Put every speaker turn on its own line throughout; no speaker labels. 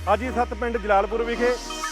ਅੱਜ ਹੀ 7 ਪਿੰਡ ਜਲਾਲਪੁਰ ਵਿਖੇ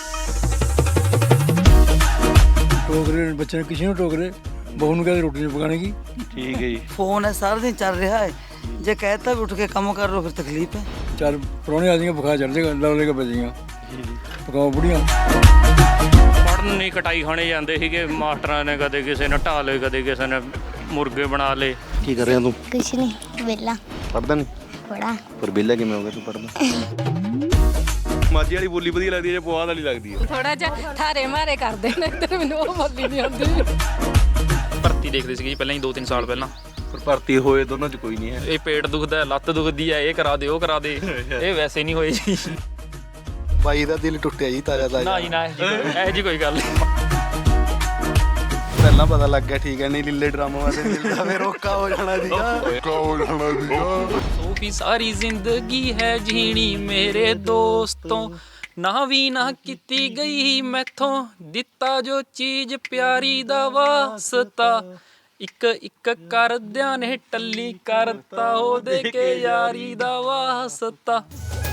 ਟੋਕਰੇ ਬੱਚੇ ਨੂੰ ਕਿਸੇ ਨੂੰ ਟੋਕਰੇ ਬਹੂ ਨੂੰ ਕਹਿੰਦੇ ਰੋਟੀ ਨਹੀਂ ਪਕਾਣੇ की।
ठीक है जी।
फोन है सारा दिन चल रहा है, जो कहता है उठ के काम कर लो फिर तकलीफ है।
चार पुराने आ जाएंगे बुखार चढ़ जाएगा लव लेके बचेगा पकाओ बुढ़िया।
ਪੜ੍ਹਨ ਨਹੀਂ ਕਟਾਈ ਖਾਣੇ ਜਾਂਦੇ ਸੀਗੇ ਮਾਸਟਰਾਂ ਨੇ, ਕਦੇ ਕਿਸੇ ਨੇ ਢਾਹ ਲਏ ਕਦੇ ਕਿਸੇ ਨੇ ਮੁਰਗੇ ਬਣਾ ਲਏ।
की कर रहे हैं तुम?
कुछ नहीं, वेला
पढ़दा नहीं
पढ़ा।
पर बेला किवें हो गया तू पढ़दा? ਮਾਝੀ ਵਾਲੀ ਬੋਲੀ ਵਧੀਆ ਲੱਗਦੀ ਹੈ ਜਾਂ ਪੁਆਧ ਵਾਲੀ ਲੱਗਦੀ ਹੈ?
ਥੋੜਾ ਜਿਹਾ ਠਾਰੇ ਮਾਰੇ ਕਰਦੇ ਨੇ ਤੇ ਮੈਨੂੰ ਉਹ ਬੋਲੀ ਨਹੀਂ ਆਉਂਦੀ।
ਭਰਤੀ ਦੇਖਦੇ ਸੀਗੇ ਜੀ ਪਹਿਲਾਂ ਹੀ 2-3 ਸਾਲ ਪਹਿਲਾਂ।
ਪਰ ਭਰਤੀ ਹੋਏ ਦੋਨਾਂ 'ਚ ਕੋਈ ਨਹੀਂ ਹੈ।
ਇਹ ਪੇਟ ਦੁਖਦਾ, ਲੱਤ ਦੁਖਦੀ ਹੈ, ਇਹ ਕਰਾ ਦੇ ਉਹ ਕਰਾ ਦੇ, ਇਹ ਵੈਸੇ ਨਹੀਂ ਹੋਏ ਜੀ।
ਬਾਈ ਦਾ ਦਿਲ ਟੁੱਟਿਆ ਜੀ ਤਾਜ਼ਾ ਤਾਜ਼ਾ।
ਨਾ ਜੀ ਨਾ, ਇਹ ਜੀ ਕੋਈ ਗੱਲ ਨਹੀਂ।
ਪਹਿਲਾਂ ਪਤਾ ਲੱਗ ਗਿਆ ਠੀਕ ਹੈ, ਨਹੀਂ ਲੀਲੇ ਡਰਾਮਾ ਵਾਲੇ ਦਿਲ ਦਾ ਫੇਰ ਔਖਾ ਹੋ ਜਾਣਾ ਸੀਗਾ।
ਸੋਫੀ ਸਾਰੀ ਜ਼ਿੰਦਗੀ ਹੈ ਜੀਣੀ ਮੇਰੇ ਦੋਸਤੋਂ, ਨਾ ਵੀ ਨਾ ਕੀਤੀ ਗਈ ਮੈਥੋਂ, ਦਿੱਤਾ ਜੋ ਚੀਜ਼ ਪਿਆਰੀ ਦਾ ਵਾਸਤਾ, ਇੱਕ ਇੱਕ ਕਰਦਿਆਂ ਨੇ ਟੱਲੀ ਕਰਤਾ ਉਹਦੇ ਕੇ ਯਾਰੀ ਦਾ ਵਾਸਤਾ।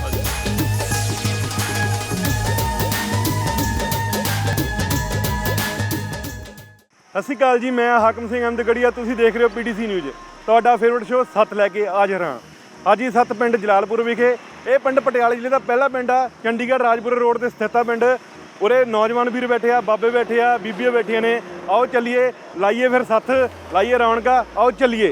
ਸਤਿ ਸ਼੍ਰੀ ਅਕਾਲ ਜੀ, ਮੈਂ ਹਾਕਮ ਸਿੰਘ ਅਹਿਮਦਗੜੀਆ। ਤੁਸੀਂ ਦੇਖ ਰਹੇ ਹੋ ਪੀਟੀਸੀ ਨਿਊਜ਼। ਤੁਹਾਡਾ ਫੇਵਰਟ ਸ਼ੋਅ 7 ਲੈ ਕੇ ਹਾਜ਼ਰ ਹਾਂ। ਅੱਜ ਹੀ 7 ਪਿੰਡ ਜਲਾਲਪੁਰ ਵਿਖੇ। ਇਹ ਪਿੰਡ ਪਟਿਆਲੇ ਜ਼ਿਲ੍ਹੇ ਦਾ ਪਹਿਲਾ ਪਿੰਡ ਆ, ਚੰਡੀਗੜ੍ਹ ਰਾਜਪੁਰ ਰੋਡ ਤੇ ਸਥਿਤ ਆ ਪਿੰਡ। ਉਰੇ ਨੌਜਵਾਨ ਵੀਰ ਬੈਠੇ ਆ, ਬਾਬੇ ਬੈਠੇ ਆ, ਬੀਬੀਆਂ ਬੈਠੀਆਂ ਨੇ। ਆਓ ਚੱਲੀਏ, ਲਾਈਏ ਫਿਰ ਸੱਥ, ਲਾਈਏ ਰੌਣਕਾਂ। ਆਓ ਚੱਲੀਏ।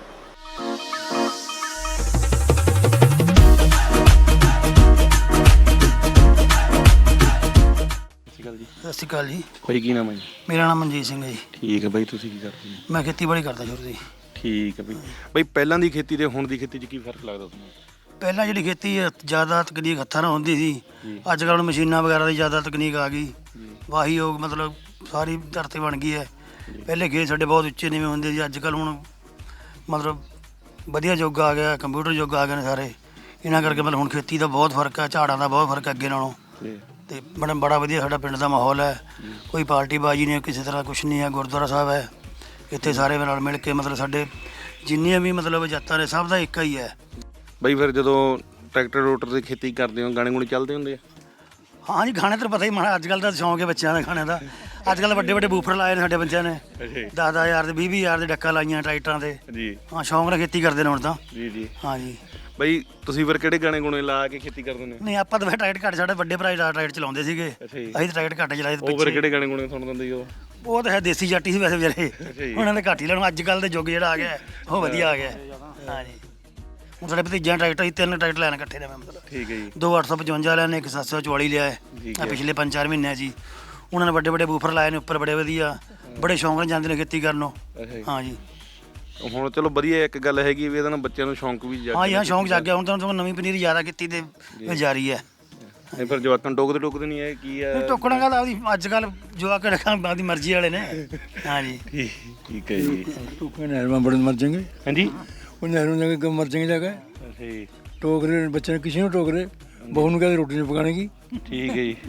ਸਤਿ ਸ਼੍ਰੀ ਅਕਾਲ ਜੀ।
ਭਾਈ ਕੀ ਨਾਮ ਹੈ ਜੀ?
ਮੇਰਾ ਨਾਮ ਮਨਜੀਤ ਸਿੰਘ ਹੈ ਜੀ।
ਠੀਕ ਹੈ ਬਾਈ, ਤੁਸੀਂ ਕੀ ਕਰਦੇ ਹੋ?
ਮੈਂ ਖੇਤੀਬਾੜੀ ਕਰਦਾ ਸ਼ੁਰੂ ਤੋਂ।
ਠੀਕ ਹੈ ਬਾਈ। ਬਾਈ ਪਹਿਲਾਂ ਦੀ ਖੇਤੀ ਤੇ ਹੁਣ ਦੀ ਖੇਤੀ 'ਚ ਕੀ ਫਰਕ ਲੱਗਦਾ ਤੁਹਾਨੂੰ?
ਪਹਿਲਾਂ ਜਿਹੜੀ ਖੇਤੀ ਜ਼ਿਆਦਾ ਤਕਨੀਕ ਹੱਥਾਂ ਨਾਲ ਹੁੰਦੀ ਸੀ, ਅੱਜ ਕੱਲ੍ਹ ਮਸ਼ੀਨਾਂ ਵਗੈਰਾ ਦੀ ਜ਼ਿਆਦਾ ਤਕਨੀਕ ਆ ਗਈ। ਵਾਹੀ ਯੋਗ ਮਤਲਬ ਸਾਰੀ ਧਰਤੀ ਬਣ ਗਈ ਹੈ। ਪਹਿਲੇ ਖੇਤ ਸਾਡੇ ਬਹੁਤ ਉੱਚੇ ਨੀਵੇਂ ਹੁੰਦੇ ਸੀ, ਅੱਜ ਕੱਲ੍ਹ ਹੁਣ ਮਤਲਬ ਵਧੀਆ ਯੁੱਗ ਆ ਗਿਆ, ਕੰਪਿਊਟਰ ਯੁੱਗ ਆ ਗਏ ਨੇ ਸਾਰੇ। ਇਹਨਾਂ ਕਰਕੇ ਮਤਲਬ ਹੁਣ ਖੇਤੀ ਦਾ ਬਹੁਤ ਫਰਕ ਹੈ, ਝਾੜਾਂ ਦਾ ਬਹੁਤ ਫਰਕ ਹੈ ਅੱਗੇ ਨਾਲੋਂ। ਤੇ ਬੜਾ ਵਧੀਆ ਸਾਡਾ ਪਿੰਡ ਦਾ ਮਾਹੌਲ ਹੈ। ਕੋਈ ਪਾਰਟੀ ਬਾਜੀ ਨਹੀਂ, ਕਿਸੇ ਤਰ੍ਹਾਂ ਕੁਛ ਨਹੀਂ ਹੈ। ਗੁਰਦੁਆਰਾ ਸਾਹਿਬ ਹੈ ਇੱਥੇ, ਸਾਰੇ ਨਾਲ ਮਿਲ ਕੇ ਮਤਲਬ ਸਾਡੇ ਜਿੰਨੀਆਂ ਵੀ ਮਤਲਬ ਜਾਤਾਂ ਨੇ ਸਭ ਦਾ ਇੱਕ ਹੀ ਹੈ।
ਬਾਈ ਫਿਰ ਜਦੋਂ ਟਰੈਕਟਰ ਰੋਟਰ ਦੀ ਖੇਤੀ ਕਰਦੇ ਹੋ ਗਾਣੇ ਗੁਣੇ ਚੱਲਦੇ ਹੁੰਦੇ ਆ?
ਹਾਂ ਜੀ, ਗਾਣੇ ਤਾਂ ਪਤਾ ਹੀ ਮਾੜਾ ਅੱਜ ਕੱਲ੍ਹ ਦਾ ਸ਼ੌਂਕ ਹੈ ਬੱਚਿਆਂ ਦਾ ਗਾਣੇ ਦਾ। ਅੱਜ ਕੱਲ੍ਹ ਵੱਡੇ ਵੱਡੇ ਬੂਫਰ ਲਾਏ ਨੇ ਸਾਡੇ ਬੱਚਿਆਂ ਨੇ, 10,000 ਦੇ 20,000 ਦੇ ਡੱਕਾ ਲਾਈਆਂ ਟਰੈਕਟਰਾਂ ਦੇ ਜੀ। ਹਾਂ, ਸ਼ੌਂਕ ਨਾਲ ਖੇਤੀ ਕਰਦੇ ਨੇ ਹੁਣ ਤਾਂ ਜੀ ਜੀ। ਹਾਂ ਜੀ
ਬਾਈ ਤੁਸੀਂ ਫਿਰ ਕਿਹੜੇ ਗਾਣੇ ਗੁਣੇ ਲਾ ਕੇ ਖੇਤੀ ਕਰਦੇ ਨੇ?
ਨਹੀਂ, ਆਪਾਂ ਤਾਂ ਫਿਰ ਟਰੈਕਟਰ ਘੱਟ, ਸਾਡੇ ਵੱਡੇ ਭਰਾ ਟਰੈਕਟਰ ਚਲਾਉਂਦੇ ਸੀਗੇ, ਅਸੀਂ ਤਾਂ ਟਰੈਕਟਰ ਘੱਟ ਚਲਾਏ।
ਉਹ ਫਿਰ ਕਿਹੜੇ ਗਾਣੇ ਗੁਣੇ ਸੁਣ ਦਿੰਦੇ ਜੀ?
ਉਹ ਤਾਂ ਹੈ ਦੇਸੀ ਜਾਟੀ ਸੀ ਵੈਸੇ ਵਿਚਾਰੇ, ਉਹਨਾਂ ਦੇ ਘੱਟ ਹੀ ਲੈਣ। ਅੱਜ ਕੱਲ੍ਹ ਦੇ ਯੁੱਗ ਜਿਹੜਾ ਆ ਗਿਆ ਉਹ ਵਧੀਆ ਆ ਗਿਆ। ਹਾਂ ਜੀ, ਹੁਣ ਸਾਡੇ ਭਤੀਜਿਆਂ ਟਰੈਕਟਰ, 3 ਟਰੈਕਟਰ ਲੈਣ ਇਕੱਠੇ ਨੇ ਮਤਲਬ। ਠੀਕ ਹੈ ਜੀ। 2 855 ਲੈਣੇ, ਇੱਕ 744 ਲਿਆ ਹੈ ਪਿਛਲੇ 5-4 ਮਹੀਨਿਆਂ 'ਚ ਹੀ। ਉਹਨਾਂ ਨੇ ਵੱਡੇ ਵੱਡੇ ਬੂਫਰ ਲਾਏ ਨੇ ਉੱਪਰ, ਬੜੇ ਵਧੀਆ, ਬੜੇ ਸ਼ੌਂਕ ਨਾਲ ਜਾਂਦੇ ਨੇ ਖੇਤੀ ਕਰਨ ਨੂੰ। ਹਾਂ ਜੀ,
ਹੁਣ ਚਲੋ ਵਧੀਆ ਇੱਕ ਗੱਲ ਹੈਗੀ ਵੀ ਇਹਦੇ ਨਾਲ ਬੱਚਿਆਂ ਨੂੰ ਸ਼ੌਂਕ ਵੀ
ਹਾਂ ਜੀ। ਹਾਂ, ਸ਼ੌਂਕ ਜਾਗ ਗਿਆ ਹੁਣ ਤਾਂ। ਨਵੀਂ ਪਨੀਰੀ ਜ਼ਿਆਦਾ ਕੀਤੀ ਤੇ ਜਾਰੀ ਹੈ।
ਇਹ ਫਿਰ ਜਵਾਕਾਂ ਟੋਕਦੇ ਨਹੀਂ ਹੈ ਕੀ ਹੈ?
ਟੋਕਣਾ ਗੱਲ ਆਪਦੀ ਅੱਜ ਕੱਲ੍ਹ ਜਵਾਕ ਰੱਖਾਂ ਆਪਦੀ ਮਰਜ਼ੀ ਵਾਲੇ ਨੇ। ਹਾਂ ਜੀ,
ਠੀਕ ਹੈ ਜੀ।
टोकरे नहर में बड़े मर जाएंगे।
ਹਾਂਜੀ
वो नहरों में जाके मर जाएंगे जाकर।
ਅੱਛਾ ਜੀ।
टोकरे बच्चे ने किसी ਨੂੰ टोकरे बहू ਨੂੰ कहते रोटी नहीं पकाने की।
ਠੀਕ ਹੈ ਜੀ।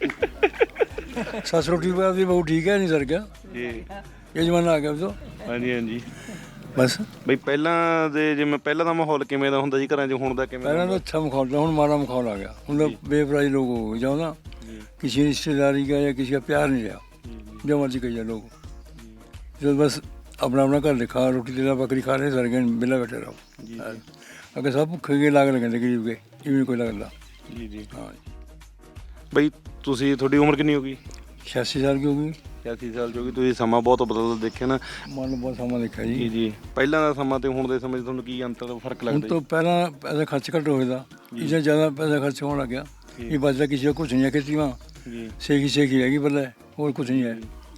सस रोटी पकाती बहू ठीक है नहीं सर क्या
ਜੀ
ये जमाना आ गया अब तो
ਹਾਂਜੀ ਹਾਂਜੀ।
बस।
ਬਈ ਪਹਿਲਾਂ ਦੇ ਜਿਵੇਂ ਪਹਿਲਾਂ ਦਾ ਮਾਹੌਲ ਕਿਵੇਂ ਦਾ ਹੁੰਦਾ ਸੀ ਘਰਾਂ 'ਚ, ਹੁਣ ਦਾ ਕਿਵੇਂ
पहला तो अच्छा माहौल था, माड़ा माहौल आ गया। मतलब बेपराई लोग हो जाओ ना, किसी रिश्तेदारी का या किसी का प्यार नहीं रहा। जो मर्जी कही जाए लोग, जो बस अपना अपना घर लिखा, रोटी तेला बकरी खा रहे सर गए बिला बैठे रहो। अगर सब भुखे के लाग लगे गरीब के, ये भी कोई लगता
ਜੀ ਜੀ।
हाँ।
ਬਈ ਤੁਸੀਂ ਤੁਹਾਡੀ ਉਮਰ ਕਿੰਨੀ ਹੋ ਗਈ?
86 साल की होगी।
86 ਸਾਲ ਹੋ ਗਈ। ਤੁਸੀਂ ਸਮਾਂ ਬਹੁਤ ਬਦਲਦਾ ਦੇਖਿਆ ਨਾ।
मान लो बहुत सामान देखा
ਜੀ
जी।
ਜੀ। ਪਹਿਲਾਂ ਦਾ ਸਮਾਂ ਤੇ ਹੁਣ ਦੇ ਸਮੇਂ 'ਚ ਤੁਹਾਨੂੰ ਕੀ ਅੰਤਰ ਫਰਕ
हम
ਲੱਗਦਾ
तो पहला पैसा खर्च घट होता, इससे ज़्यादा पैसा खर्च होने लग गया। ये बचता किसी का कुछ नहीं है खेती में,
ਜੀ?
सेखी रहेगी पहले, और कुछ नहीं है।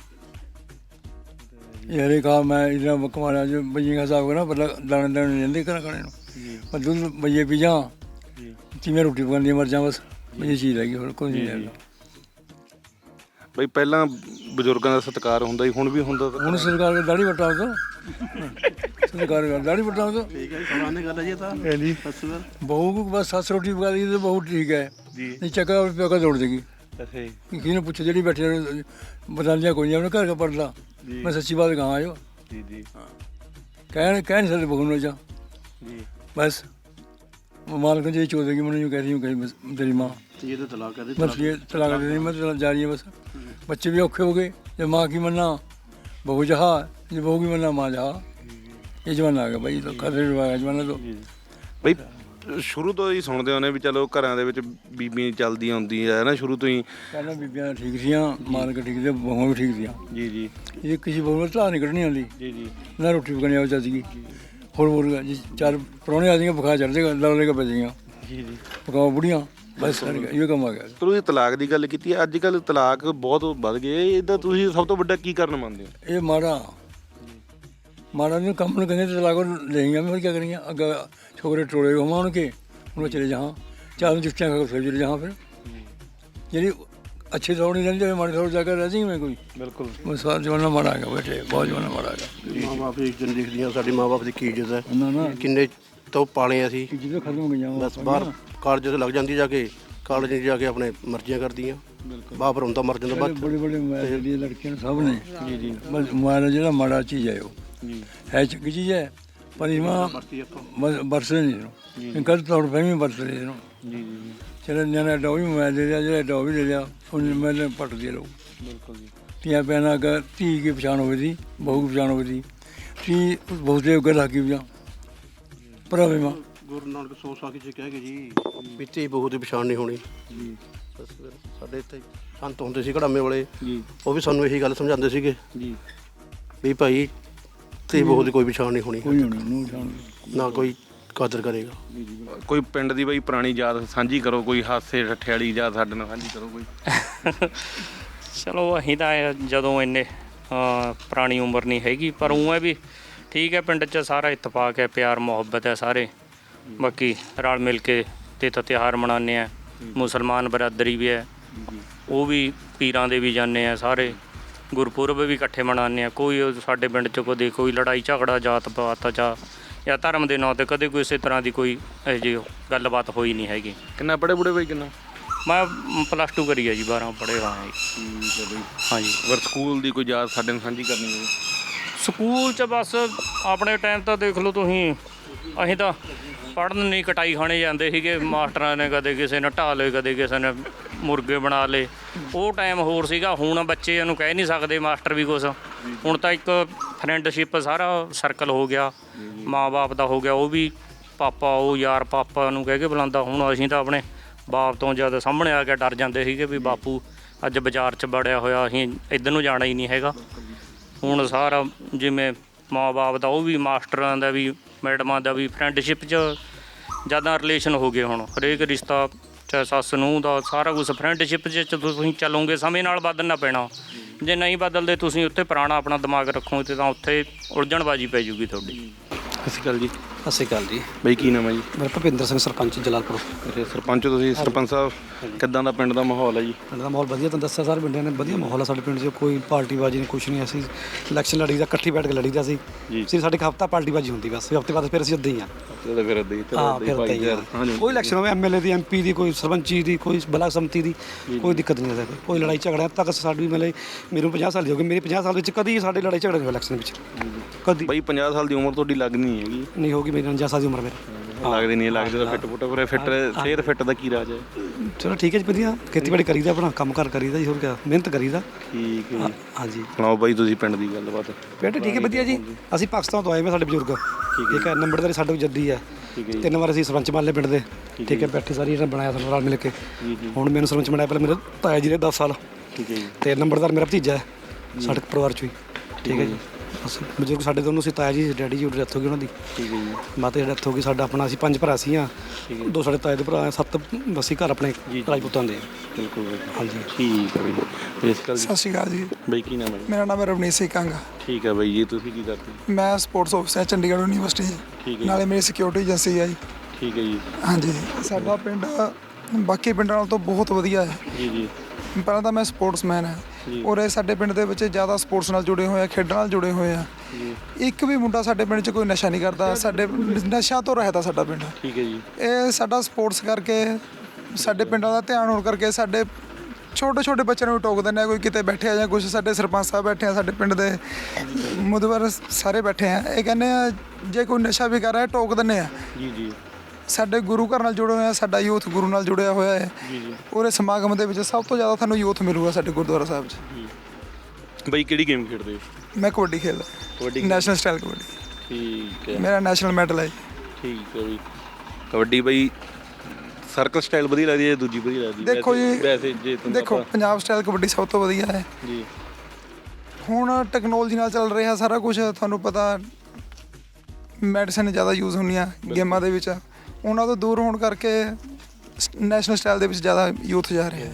ये हरे कहा मैं इतना कमाना जो बजिए का हिसाब करना पहले दाने दाने लेंदे करा खाने पर दूध बजिए पी जा जिमें रोटी पकानी मर जा, बस ये चीज़ रहेगी और कुछ नहीं है।
ਬਈ ਪਹਿਲਾਂ ਬਜ਼ੁਰਗਾਂ ਦਾ ਸਤਿਕਾਰ ਹੁੰਦਾ ਸੀ, ਹੁਣ ਵੀ ਹੁੰਦਾ?
ਹੁਣ ਸਰਕਾਰ ਦੀ ਦਾੜੀ ਵਟਾਓ ਤਾਂ ਸਰਕਾਰ ਦੀ ਦਾੜੀ ਵਟਾਓ ਤਾਂ
ਠੀਕ ਹੈ, ਸਮਾਨ ਗੱਲ ਹੈ ਜੀ। ਤਾਂ
जी बहू को बस 7 रोटी पका दी तो बहुत ठीक है
जी।
नहीं चक्का प्योका दौड़ देगी।
ਅੱਛਾ ਜੀ।
किसी ने पूछे जी बैठे बता दिया कोई नहीं अपने घर का पड़ता। मैं सच्ची बात कहाँ आयो
ਜੀ ਜੀ।
कह नहीं सकते बहू ने जा
ਜੀ
बस। मालिक जी चो देगी मैंने यूँ कह रही हूँ कहीं बस तेरी माँ
ये तो तलाक है
बस ये तलाक दे देनी मैं जा रही है बस। बच्चे भी औखे हो गए, जब माँ की मन्ना बहू जहा, जब बहू की मन्ना माँ जहा। ये जमाना आ ਗਿਆ ਬਾਈ, ਤਾਂ ਖਤਰੇ ਦਾ ਜਮਾਨਾ ਤੋਂ।
ਬਈ ਸ਼ੁਰੂ ਤੋਂ ਹੀ ਸੁਣਦੇ ਹੋਣੇ ਵੀ ਚਲੋ ਘਰਾਂ ਦੇ ਵਿੱਚ ਬੀਬੀਆਂ ਚੱਲਦੀਆਂ ਹੁੰਦੀਆਂ ਹੈ ਨਾ ਸ਼ੁਰੂ ਤੋਂ ਹੀ।
ਪਹਿਲਾਂ ਬੀਬੀਆਂ ਠੀਕ ਸੀਆਂ, ਮਾਲਕ ਠੀਕ ਸੀ, ਬਹੂਆਂ ਵੀ ਠੀਕ ਸੀਆਂ।
ਜੀ ਜੀ
ਇਹ ਕਿਸੇ ਬਹੂ ਨੂੰ ਧਾਰ ਨਹੀਂ ਕੱਢਣੀ ਆਉਂਦੀ,
ਜੀ ਜੀ
ਨਾ ਰੋਟੀ ਪਕਾਉਣੀ ਆਉ ਚੱਜਗੀ। ਹੋਰ ਜੀ ਚਾਰ ਪ੍ਰਾਹੁਣੇ ਆ ਜਾਏਗਾ, ਬੁਖਾਰ ਚੜ ਜਾਏਗਾ, ਲੜ ਕੇ ਪੈ ਜਾਏਗਾ।
ਜੀ ਜੀ
ਪਕਾਓ ਬੁੜੀਆਂ, ਬਸ ਇਹ ਕੰਮ ਆ ਗਿਆ।
ਤੁਸੀਂ ਤਲਾਕ ਦੀ ਗੱਲ ਕੀਤੀ ਹੈ, ਅੱਜ ਕੱਲ੍ਹ ਤਲਾਕ ਬਹੁਤ ਵੱਧ ਗਏ, ਇਹਦਾ ਤੁਸੀਂ ਸਭ ਤੋਂ ਵੱਡਾ ਕੀ ਕਾਰਨ ਮੰਨਦੇ ਹੋ?
ਇਹ ਮਾੜਾ ਨੂੰ ਕੰਮ ਨੂੰ ਕਹਿੰਦੇ ਤਲਾਕ ਲਈਆਂ ਮੈਂ ਕੀ ਕਰੀਆਂ। ਅੱਗੇ ਛੋਕਰੇ ਟੋਲੇ ਹੋਵਾਂ ਉਹਨਾਂ ਕੇ ਹੁਣ ਚਲੇ ਜਾਵਾਂ, ਚਾਰ ਨੂੰ ਜੁੱਤੀਆਂ ਖਾ ਕੇ ਫਿਰ ਚਲੇ ਜਾਵਾਂ। ਫਿਰ ਜਿਹੜੀ ਅੱਛੇ ਦੌੜ ਨਹੀਂ ਰਹਿੰਦੀ, ਮਾੜੇ ਦੌੜ ਜਾ ਕੇ ਰਹਿ ਜਾਈਂ ਮੈਂ ਕੋਈ।
ਬਿਲਕੁਲ
ਬਸ ਸਾਰਾ ਜਮਾਨਾ ਮਾੜਾ ਆ ਗਿਆ ਬੇਟੇ, ਬਹੁਤ ਜਮਾਨਾ ਮਾੜਾ ਆ ਗਿਆ।
ਮਾਂ ਬਾਪ ਦੀ ਇੱਜ਼ਤ ਦਿਖਦੀਆਂ, ਸਾਡੀ ਮਾਂ ਬਾਪ ਦੀ ਕੀ ਇੱਜ਼ਤ ਹੈ,
ਨਾ
ਕਿੰਨੇ ਤੋਂ ਪਾਲੇ ਅਸੀਂ।
ਜਦੋਂ ਖਤਮ ਹੋ ਗਈਆਂ
ਬਸ ਬਾਹਰ ਕਾਲਜ ਤੇ ਲੱਗ ਜਾਂਦੀ ਜਾ ਕੇ, ਕਾਲਜ ਜਾ ਕੇ ਆਪਣੇ ਮਰਜ਼ੀਆਂ ਕਰਦੀਆਂ। ਬਾਪ ਰੋਂਦਾ ਮਰ ਜਾਂਦਾ ਬਾਅਦ
ਬੜੇ ਮੋਬਾਈਲ ਦੀਆਂ ਲੜਕੀਆਂ ਸਭ ਨੇ। ਜੀ ਜੀ ਬਸ ਮੋਬਾਈਲ ਜਿਹੜਾ ਮਾੜਾ ਚੀਜ਼ ਹੈ ਉਹ ਹੈ ਚੰਗੀ ਚੀਜ਼ ਹੈ, ਪਰ ਇਮਾਂ ਵਰਤਦੇ ਨਹੀਂ ਇਹਨੂੰ। ਗਲਤ ਤੌਰ ਪੈ ਵੀ ਵਰਤਦੇ ਇਹਨੂੰ।
ਜੀ ਜੀ
ਚਲੋ ਨਿਆਣਾ ਐਡਾ ਵੀ ਮੋਬਾਈਲ ਦੇ ਲਿਆ, ਜਿਹੜਾ ਐਡਾ ਵੀ ਲੈ ਲਿਆ, ਹੁਣ ਮੈਂ ਪੱਟਦੇ ਲੋਕ।
ਬਿਲਕੁਲ ਜੀ।
ਧੀਆਂ ਭੈਣਾਂ ਅਗਰ ਧੀ ਕੀ ਪਛਾਣ ਹੋਵੇ ਦੀ, ਬਹੂ ਕੀ ਪਛਾਣ ਹੋਵੇ ਦੀ, ਧੀ ਬਹੁਤੇ ਉੱਗਰ ਲੱਗੀ ਵੀ ਭਰਾਵੇ ਮਾਂ।
ਗੁਰੂ ਨਾਨਕ 100 ਸਾਲ ਚ ਕਹਿ ਗਏ ਜੀ, ਪਿੱਤੇ ਬਹੂ ਦੀ ਪਛਾਣ ਨਹੀਂ ਹੋਣੀ। ਬਸ ਫਿਰ ਸਾਡੇ ਇੱਥੇ ਸੰਤ ਹੁੰਦੇ ਸੀ ਘੜਾਮੇ ਵਾਲੇ, ਉਹ ਵੀ ਸਾਨੂੰ ਇਹੀ ਗੱਲ ਸਮਝਾਉਂਦੇ ਸੀਗੇ
ਜੀ
ਵੀ ਭਾਈ ਤੇ ਬਹੂ ਦੀ ਕੋਈ ਪਛਾਣ ਨਹੀਂ ਹੋਣੀ,
ਕੋਈ ਹੋਣੀ ਨੂੰ ਪਛਾਣ
ਨਾ ਕੋਈ ਕਦਰ ਕਰੇਗਾ।
ਕੋਈ ਪਿੰਡ ਦੀ ਬਈ ਪੁਰਾਣੀ ਯਾਦ ਸਾਂਝੀ ਕਰੋ, ਕੋਈ ਹਾਸੇ ਠੱਠੇ ਵਾਲੀ ਯਾਦ ਸਾਡੇ ਨਾਲ ਸਾਂਝੀ ਕਰੋ ਕੋਈ।
ਚਲੋ ਅਸੀਂ ਤਾਂ ਜਦੋਂ ਇੰਨੇ ਪੁਰਾਣੀ ਉਮਰ ਨਹੀਂ ਹੈਗੀ, ਪਰ ਉਹ ਹੈ ਵੀ ਠੀਕ ਹੈ, ਪਿੰਡ 'ਚ ਸਾਰਾ ਇਤਫਾਕ ਹੈ, ਪਿਆਰ ਮੁਹੱਬਤ ਹੈ ਸਾਰੇ। ਬਾਕੀ ਰਲ ਮਿਲ ਕੇ ਤੇ ਤਾਂ ਤਿਉਹਾਰ ਮਨਾਉਂਦੇ ਆ। ਮੁਸਲਮਾਨ ਬਰਾਦਰੀ ਵੀ ਹੈ, ਉਹ ਵੀ ਪੀਰਾਂ ਦੇ ਵੀ ਜਾਂਦੇ ਆ ਸਾਰੇ। ਗੁਰਪੁਰਬ ਵੀ ਇਕੱਠੇ ਮਨਾਉਂਦੇ ਆ। ਕੋਈ ਸਾਡੇ ਪਿੰਡ 'ਚ ਕਦੇ ਕੋਈ ਲੜਾਈ ਝਗੜਾ ਜਾਤ ਪਾਤ ਜਾਂ ਧਰਮ ਦੇ ਨਾਂ 'ਤੇ ਕਦੇ ਕੋਈ ਇਸੇ ਤਰ੍ਹਾਂ ਦੀ ਕੋਈ ਇਹੋ ਜਿਹੀ ਗੱਲਬਾਤ ਹੋਈ ਨਹੀਂ ਹੈਗੀ।
ਕਿੰਨਾ ਪੜ੍ਹੇ ਬੁੜੇ ਬਈ ਕਿੰਨਾ?
ਮੈਂ +2 ਕਰੀ ਹੈ ਜੀ, 12 ਪੜ੍ਹੇ ਹੋਏ ਹਾਂ ਜੀ।
ਠੀਕ ਹੈ ਬਈ।
ਹਾਂਜੀ
ਪਰ ਸਕੂਲ ਦੀ ਕੋਈ ਯਾਦ ਸਾਡੇ ਨਾਲ ਸਾਂਝੀ ਕਰਨੀ ਹੋਵੇ?
ਸਕੂਲ 'ਚ ਬਸ ਆਪਣੇ ਟਾਈਮ ਤਾਂ ਦੇਖ ਲਓ ਤੁਸੀਂ, ਅਸੀਂ ਤਾਂ ਪੜ੍ਹਨ ਨਹੀਂ ਕਟਾਈ ਖਾਣੇ ਜਾਂਦੇ ਸੀਗੇ। ਮਾਸਟਰਾਂ ਨੇ ਕਦੇ ਕਿਸੇ ਨੇ ਢਾਹ ਲਏ, ਕਦੇ ਕਿਸੇ ਨੇ ਮੁਰਗੇ ਬਣਾ ਲਏ। ਉਹ ਟਾਈਮ ਹੋਰ ਸੀਗਾ। ਹੁਣ ਬੱਚੇ ਨੂੰ ਕਹਿ ਨਹੀਂ ਸਕਦੇ ਮਾਸਟਰ ਵੀ ਕੁਛ। ਹੁਣ ਤਾਂ ਇੱਕ ਫਰੈਂਡਸ਼ਿਪ ਸਾਰਾ ਸਰਕਲ ਹੋ ਗਿਆ, ਮਾਂ-ਬਾਪ ਦਾ ਹੋ ਗਿਆ। ਉਹ ਵੀ ਪਾਪਾ, ਉਹ ਯਾਰ ਪਾਪਾ ਨੂੰ ਕਹਿ ਕੇ ਬੁਲਾਉਂਦਾ। ਹੁਣ ਅਸੀਂ ਤਾਂ ਆਪਣੇ ਬਾਪ ਤੋਂ ਜਦ ਸਾਹਮਣੇ ਆ ਕੇ ਡਰ ਜਾਂਦੇ ਸੀਗੇ ਵੀ ਬਾਪੂ ਅੱਜ ਬਾਜ਼ਾਰ 'ਚ ਵੜਿਆ ਹੋਇਆ, ਅਸੀਂ ਇੱਧਰ ਨੂੰ ਜਾਣਾ ਹੀ ਨਹੀਂ ਹੈਗਾ। ਹੁਣ ਸਾਰਾ ਜਿਵੇਂ ਮਾਂ-ਬਾਪ ਦਾ, ਉਹ ਵੀ ਮਾਸਟਰਾਂ ਦਾ ਵੀ, ਮੈਡਮਾਂ ਦਾ ਵੀ ਫਰੈਂਡਸ਼ਿਪ 'ਚ ਜ਼ਿਆਦਾ ਰਿਲੇਸ਼ਨ ਹੋ ਗਏ। ਹੁਣ ਹਰੇਕ ਰਿਸ਼ਤਾ, ਚਾਹੇ ਸੱਸ ਨੂੰਹ ਦਾ, ਸਾਰਾ ਕੁਛ ਫਰੈਂਡਸ਼ਿਪ 'ਚ ਤੁਸੀਂ ਚੱਲੋਗੇ। ਸਮੇਂ ਨਾਲ ਬਦਲਣਾ ਪੈਣਾ। ਜੇ ਨਹੀਂ ਬਦਲਦੇ ਤੁਸੀਂ ਉੱਥੇ ਪੁਰਾਣਾ ਆਪਣਾ ਦਿਮਾਗ ਰੱਖੋ ਤੇ ਤਾਂ ਉੱਥੇ ਉਲਝਣਬਾਜੀ ਪੈ ਜੂਗੀ ਤੁਹਾਡੀ।
ਸਤਿ ਸ਼੍ਰੀ ਅਕਾਲ ਜੀ।
ਸਤਿ ਸ਼੍ਰੀ ਅਕਾਲ ਜੀ।
ਬਈ ਕੀ ਨਾਮ ਹੈ ਜੀ?
ਮੇਰਾ ਭੁਪਿੰਦਰ ਸਿੰਘ, ਸਰਪੰਚ ਜਲਾਲਪੁਰ।
ਅੱਛਾ ਸਰਪੰਚ ਤੁਸੀਂ। ਸਰਪੰਚ ਸਾਹਿਬ ਕਿੱਦਾਂ ਦਾ ਪਿੰਡ ਦਾ ਮਾਹੌਲ ਹੈ ਜੀ?
ਪਿੰਡ ਦਾ ਮਾਹੌਲ ਵਧੀਆ, ਤੁਹਾਨੂੰ ਦੱਸਿਆ ਸਾਰੇ ਪਿੰਡਾਂ ਨੇ ਵਧੀਆ ਮਾਹੌਲ ਆ ਸਾਡੇ ਪਿੰਡ 'ਚ। ਕੋਈ ਪਾਰਟੀਬਾਜ਼ੀ ਨਹੀਂ, ਕੁਛ ਨਹੀਂ। ਅਸੀਂ ਇਲੈਕਸ਼ਨ ਲੜੀਦਾ, ਇਕੱਠੀ ਬੈਠ ਕੇ ਲੜੀਦਾ ਸੀ। ਸਾਡੇ ਹਫ਼ਤਾ ਪਾਰਟੀਬਾਜ਼ੀ ਹੁੰਦੀ, ਬਸ ਹਫ਼ਤੇ ਬਾਅਦ ਫਿਰ ਅਸੀਂ ਉੱਦਾਂ ਹੀ ਆ।
ਚਲੋ ਫਿਰ ਇੱਦਾਂ ਹੀ
ਹਾਂ, ਫਿਰ ਉੱਦਾਂ ਹੀ ਆ। ਕੋਈ ਇਲੈਕਸ਼ਨ ਹੋਵੇ, MLA ਦੀ, MP ਦੀ, ਕੋਈ ਸਰਪੰਚੀ ਦੀ, ਕੋਈ ਬਲਾਕ ਸੰਮਤੀ ਦੀ, ਕੋਈ ਦਿੱਕਤ ਨਹੀਂ ਹੈ। ਕੋਈ ਲੜਾਈ ਝਗੜਾ ਤੱਕ ਸਾਡੀ ਮਤਲਬ ਮੈਨੂੰ 50 ਸਾਲ ਦੀ ਹੋ ਗਈ, ਮੇਰੇ 50 ਸਾਲ ਵਿੱਚ ਕਦੀ ਸਾਡੇ ਲੜਾਈ ਝਗੜਾ ਨਹੀਂ ਹੋਇਆ ਇਲੈਕਸ਼ਨ ਵਿੱਚ, ਕਦੀ।
ਬਈ 50 ਸਾਲ ਦੀ ਉਮਰ ਤੁਹਾਡੀ ਲੱਗਦੀ ਨਹੀਂ ਹੈਗੀ?
ਨਹੀਂ ਹੋਗੀ, ਮੇਰੀ 49 ਸਾਲ ਦੀ ਉਮਰ ਮੇਰੀ।
ਲੱਗਦੀ ਨਹੀਂ, ਲੱਗਦੀ ਤਾਂ ਫਿੱਟ ਫੁੱਟ। ਪਰ ਫਿੱਟ ਸਿਹਤ ਫਿੱਟ ਦਾ ਕੀ ਰਾਜ ਹੈ?
ਚਲੋ ਠੀਕ ਹੈ ਜੀ, ਵਧੀਆ ਖੇਤੀਬਾੜੀ ਕਰੀਦਾ, ਆਪਣਾ ਕੰਮ ਕਾਰ ਕਰੀਦਾ ਜੀ, ਹੋਰ ਕਿਆ, ਮਿਹਨਤ ਕਰੀਦਾ।
ਠੀਕ ਹੈ।
ਹਾਂਜੀ।
ਸੁਣਾਓ ਬਾਈ ਤੁਸੀਂ ਪਿੰਡ ਦੀ ਗੱਲਬਾਤ।
ਬੇਟੇ ਠੀਕ ਹੈ, ਵਧੀਆ ਜੀ। ਅਸੀਂ ਪਾਕਿਸਤਾਨ ਤੋਂ ਆਏ ਮੈਂ, ਸਾਡੇ ਬਜ਼ੁਰਗ। ਠੀਕ ਹੈ, ਨੰਬਰਦਾਰੀ ਸਾਡੇ ਜੱਦੀ ਹੈ। 3 ਵਾਰ ਅਸੀਂ ਸਰਪੰਚ ਬਣ ਲਏ ਪਿੰਡ ਦੇ। ਠੀਕ ਹੈ, ਬੈਠੇ ਸਾਰੀ ਇਹਨਾਂ ਬਣਾਇਆ ਸਾਨੂੰ ਰਲ ਮਿਲ ਕੇ। ਹੁਣ ਮੈਨੂੰ ਸਰਪੰਚ ਬਣਾਇਆ ਪਹਿਲਾਂ ਮੇਰੇ ਤਾਇਆ ਜੀ ਦੇ 10 ਸਾਲ।
ਠੀਕ ਹੈ ਜੀ।
ਤੇ ਨੰਬਰਦਾਰ ਮੇਰਾ ਭਤੀਜਾ ਹੈ ਸਾਡੇ ਪਰਿਵਾਰ 'ਚੋਂ ਹੀ। ਠੀਕ ਹੈ ਜੀ। ਅਸੀਂ ਬਜ਼ੁਰਗ ਸਾਡੇ ਦੋਨੋਂ ਸੀ, ਤਾਇਆ ਜੀ ਡੈਡੀ ਜੀ ਦੀ ਡੈਥ ਹੋ ਗਈ ਉਹਨਾਂ ਦੀ। ਠੀਕ ਹੈ ਜੀ। ਮਾਤਾ ਦੀ ਡੈਥ ਹੋ ਗਈ। ਸਾਡਾ ਆਪਣਾ ਅਸੀਂ 5 ਭਰਾ ਸੀ। 2 ਸਾਡੇ ਤਾਏ ਦੇ ਭਰਾ, 7 ਅਸੀਂ ਘਰ ਆਪਣੇ ਰਾਜਪੂਤਾਂ ਦੇ।
ਬਿਲਕੁਲ
ਹਾਂਜੀ।
ਠੀਕ ਹੈ ਬਈ।
ਸਤਿ ਸ਼੍ਰੀ ਅਕਾਲ ਜੀ।
ਬਈ ਕੀ ਨਾਮ ਹੈ?
ਮੇਰਾ ਨਾਮ ਹੈ ਰਵਨੀਤ ਸਿੰਘ ਕੰਗ।
ਠੀਕ ਹੈ ਬਾਈ ਜੀ। ਤੁਸੀਂ ਕੀ ਕਰਦੇ?
ਮੈਂ ਸਪੋਰਟਸ ਆਫਿਸਰ ਚੰਡੀਗੜ੍ਹ ਯੂਨੀਵਰਸਿਟੀ।
ਠੀਕ ਹੈ।
ਨਾਲੇ ਮੇਰੀ ਸਿਕਿਉਰਿਟੀ ਏਜੰਸੀ ਹੈ ਜੀ।
ਠੀਕ ਹੈ ਜੀ।
ਹਾਂਜੀ। ਸਾਡਾ ਪਿੰਡ ਬਾਕੀ ਪਿੰਡਾਂ ਨਾਲੋਂ ਤਾਂ ਬਹੁਤ ਵਧੀਆ ਹੈ।
ਜੀ ਜੀ।
ਪਹਿਲਾਂ ਤਾਂ ਮੈਂ ਸਪੋਰਟਸਮੈਨ ਹਾਂ ਔਰ ਇਹ ਸਾਡੇ ਪਿੰਡ ਦੇ ਵਿੱਚ ਜ਼ਿਆਦਾ ਸਪੋਰਟਸ ਨਾਲ ਜੁੜੇ ਹੋਏ ਆ, ਖੇਡਾਂ ਨਾਲ ਜੁੜੇ ਹੋਏ ਆ। ਇੱਕ ਵੀ ਮੁੰਡਾ ਸਾਡੇ ਪਿੰਡ 'ਚ ਕੋਈ ਨਸ਼ਾ ਨਹੀਂ ਕਰਦਾ। ਸਾਡੇ ਨਸ਼ਿਆਂ ਤੋਂ ਰਹਿਤ ਆ ਸਾਡਾ ਪਿੰਡ।
ਠੀਕ ਹੈ ਜੀ।
ਇਹ ਸਾਡਾ ਸਪੋਰਟਸ ਕਰਕੇ, ਸਾਡੇ ਪਿੰਡਾਂ ਦਾ ਧਿਆਨ ਹੋਣ ਕਰਕੇ ਸਾਡੇ ਛੋਟੇ ਛੋਟੇ ਬੱਚਿਆਂ ਨੂੰ ਵੀ ਟੋਕ ਦਿੰਦੇ ਆ। ਕੋਈ ਕਿਤੇ ਬੈਠੇ ਜਾਂ ਕੁਛ, ਸਾਡੇ ਸਰਪੰਚ ਸਾਹਿਬ ਬੈਠੇ ਆ, ਸਾਡੇ ਪਿੰਡ ਦੇ ਮੁਦਬਰ ਸਾਰੇ ਬੈਠੇ ਆ। ਇਹ ਕਹਿੰਦੇ ਆ ਜੇ ਕੋਈ ਨਸ਼ਾ ਵੀ ਕਰ ਰਿਹਾ ਟੋਕ ਦਿੰਦੇ ਆ।
ਜੀ ਜੀ।
ਸਾਡੇ ਗੁਰੂ ਘਰ ਨਾਲ ਜੁੜੇ ਹੋਏ ਆ, ਸਾਡਾ ਯੂਥ ਗੁਰੂ ਨਾਲ ਜੁੜਿਆ ਹੋਇਆ ਹੈ ਉਹਦੇ ਸਮਾਗਮ ਦੇ ਵਿੱਚ ਸਭ ਤੋਂ ਜ਼ਿਆਦਾ ਤੁਹਾਨੂੰ ਯੂਥ ਮਿਲੂਗਾ ਸਾਡੇ ਗੁਰਦੁਆਰਾ ਸਾਹਿਬ 'ਚ।
ਬਾਈ ਕਿਹੜੀ ਗੇਮ ਖੇਡਦੇ ਹੋ?
ਮੈਂ ਕਬੱਡੀ ਖੇਡਦਾ,
ਕਬੱਡੀ
ਨੈਸ਼ਨਲ ਸਟਾਈਲ ਕਬੱਡੀ,
ਠੀਕ ਹੈ
ਮੇਰਾ ਨੈਸ਼ਨਲ ਮੈਡਲ ਹੈ।
ਠੀਕ ਹੈ ਬਈ। ਕਬੱਡੀ ਬਈ ਸਰਕਲ ਸਟਾਈਲ ਵਧੀਆ ਲੱਗਦੀ ਹੈ, ਦੂਜੀ ਵਧੀਆ ਲੱਗਦੀ ਹੈ?
ਦੇਖੋ ਜੀ,
ਵੈਸੇ ਜੇ ਤੁਹਾਨੂੰ
ਦੇਖੋ ਪੰਜਾਬ ਸਟਾਈਲ ਕਬੱਡੀ ਸਭ ਤੋਂ ਵਧੀਆ ਹੈ।
ਜੀ
ਹੁਣ ਟੈਕਨੋਲੋਜੀ ਨਾਲ ਚੱਲ ਰਿਹਾ ਸਾਰਾ ਕੁਝ, ਤੁਹਾਨੂੰ ਪਤਾ ਮੈਡੀਸਨ ਜ਼ਿਆਦਾ ਯੂਜ਼ ਹੁੰਦੀਆਂ ਗੇਮਾਂ ਦੇ ਵਿੱਚ, ਉਹਨਾਂ ਤੋਂ ਦੂਰ ਹੋਣ ਕਰਕੇ ਨੈਸ਼ਨਲ ਸਟਾਈਲ ਦੇ ਵਿੱਚ ਜ਼ਿਆਦਾ ਯੂਥ ਜਾ ਰਿਹਾ ਹੈ।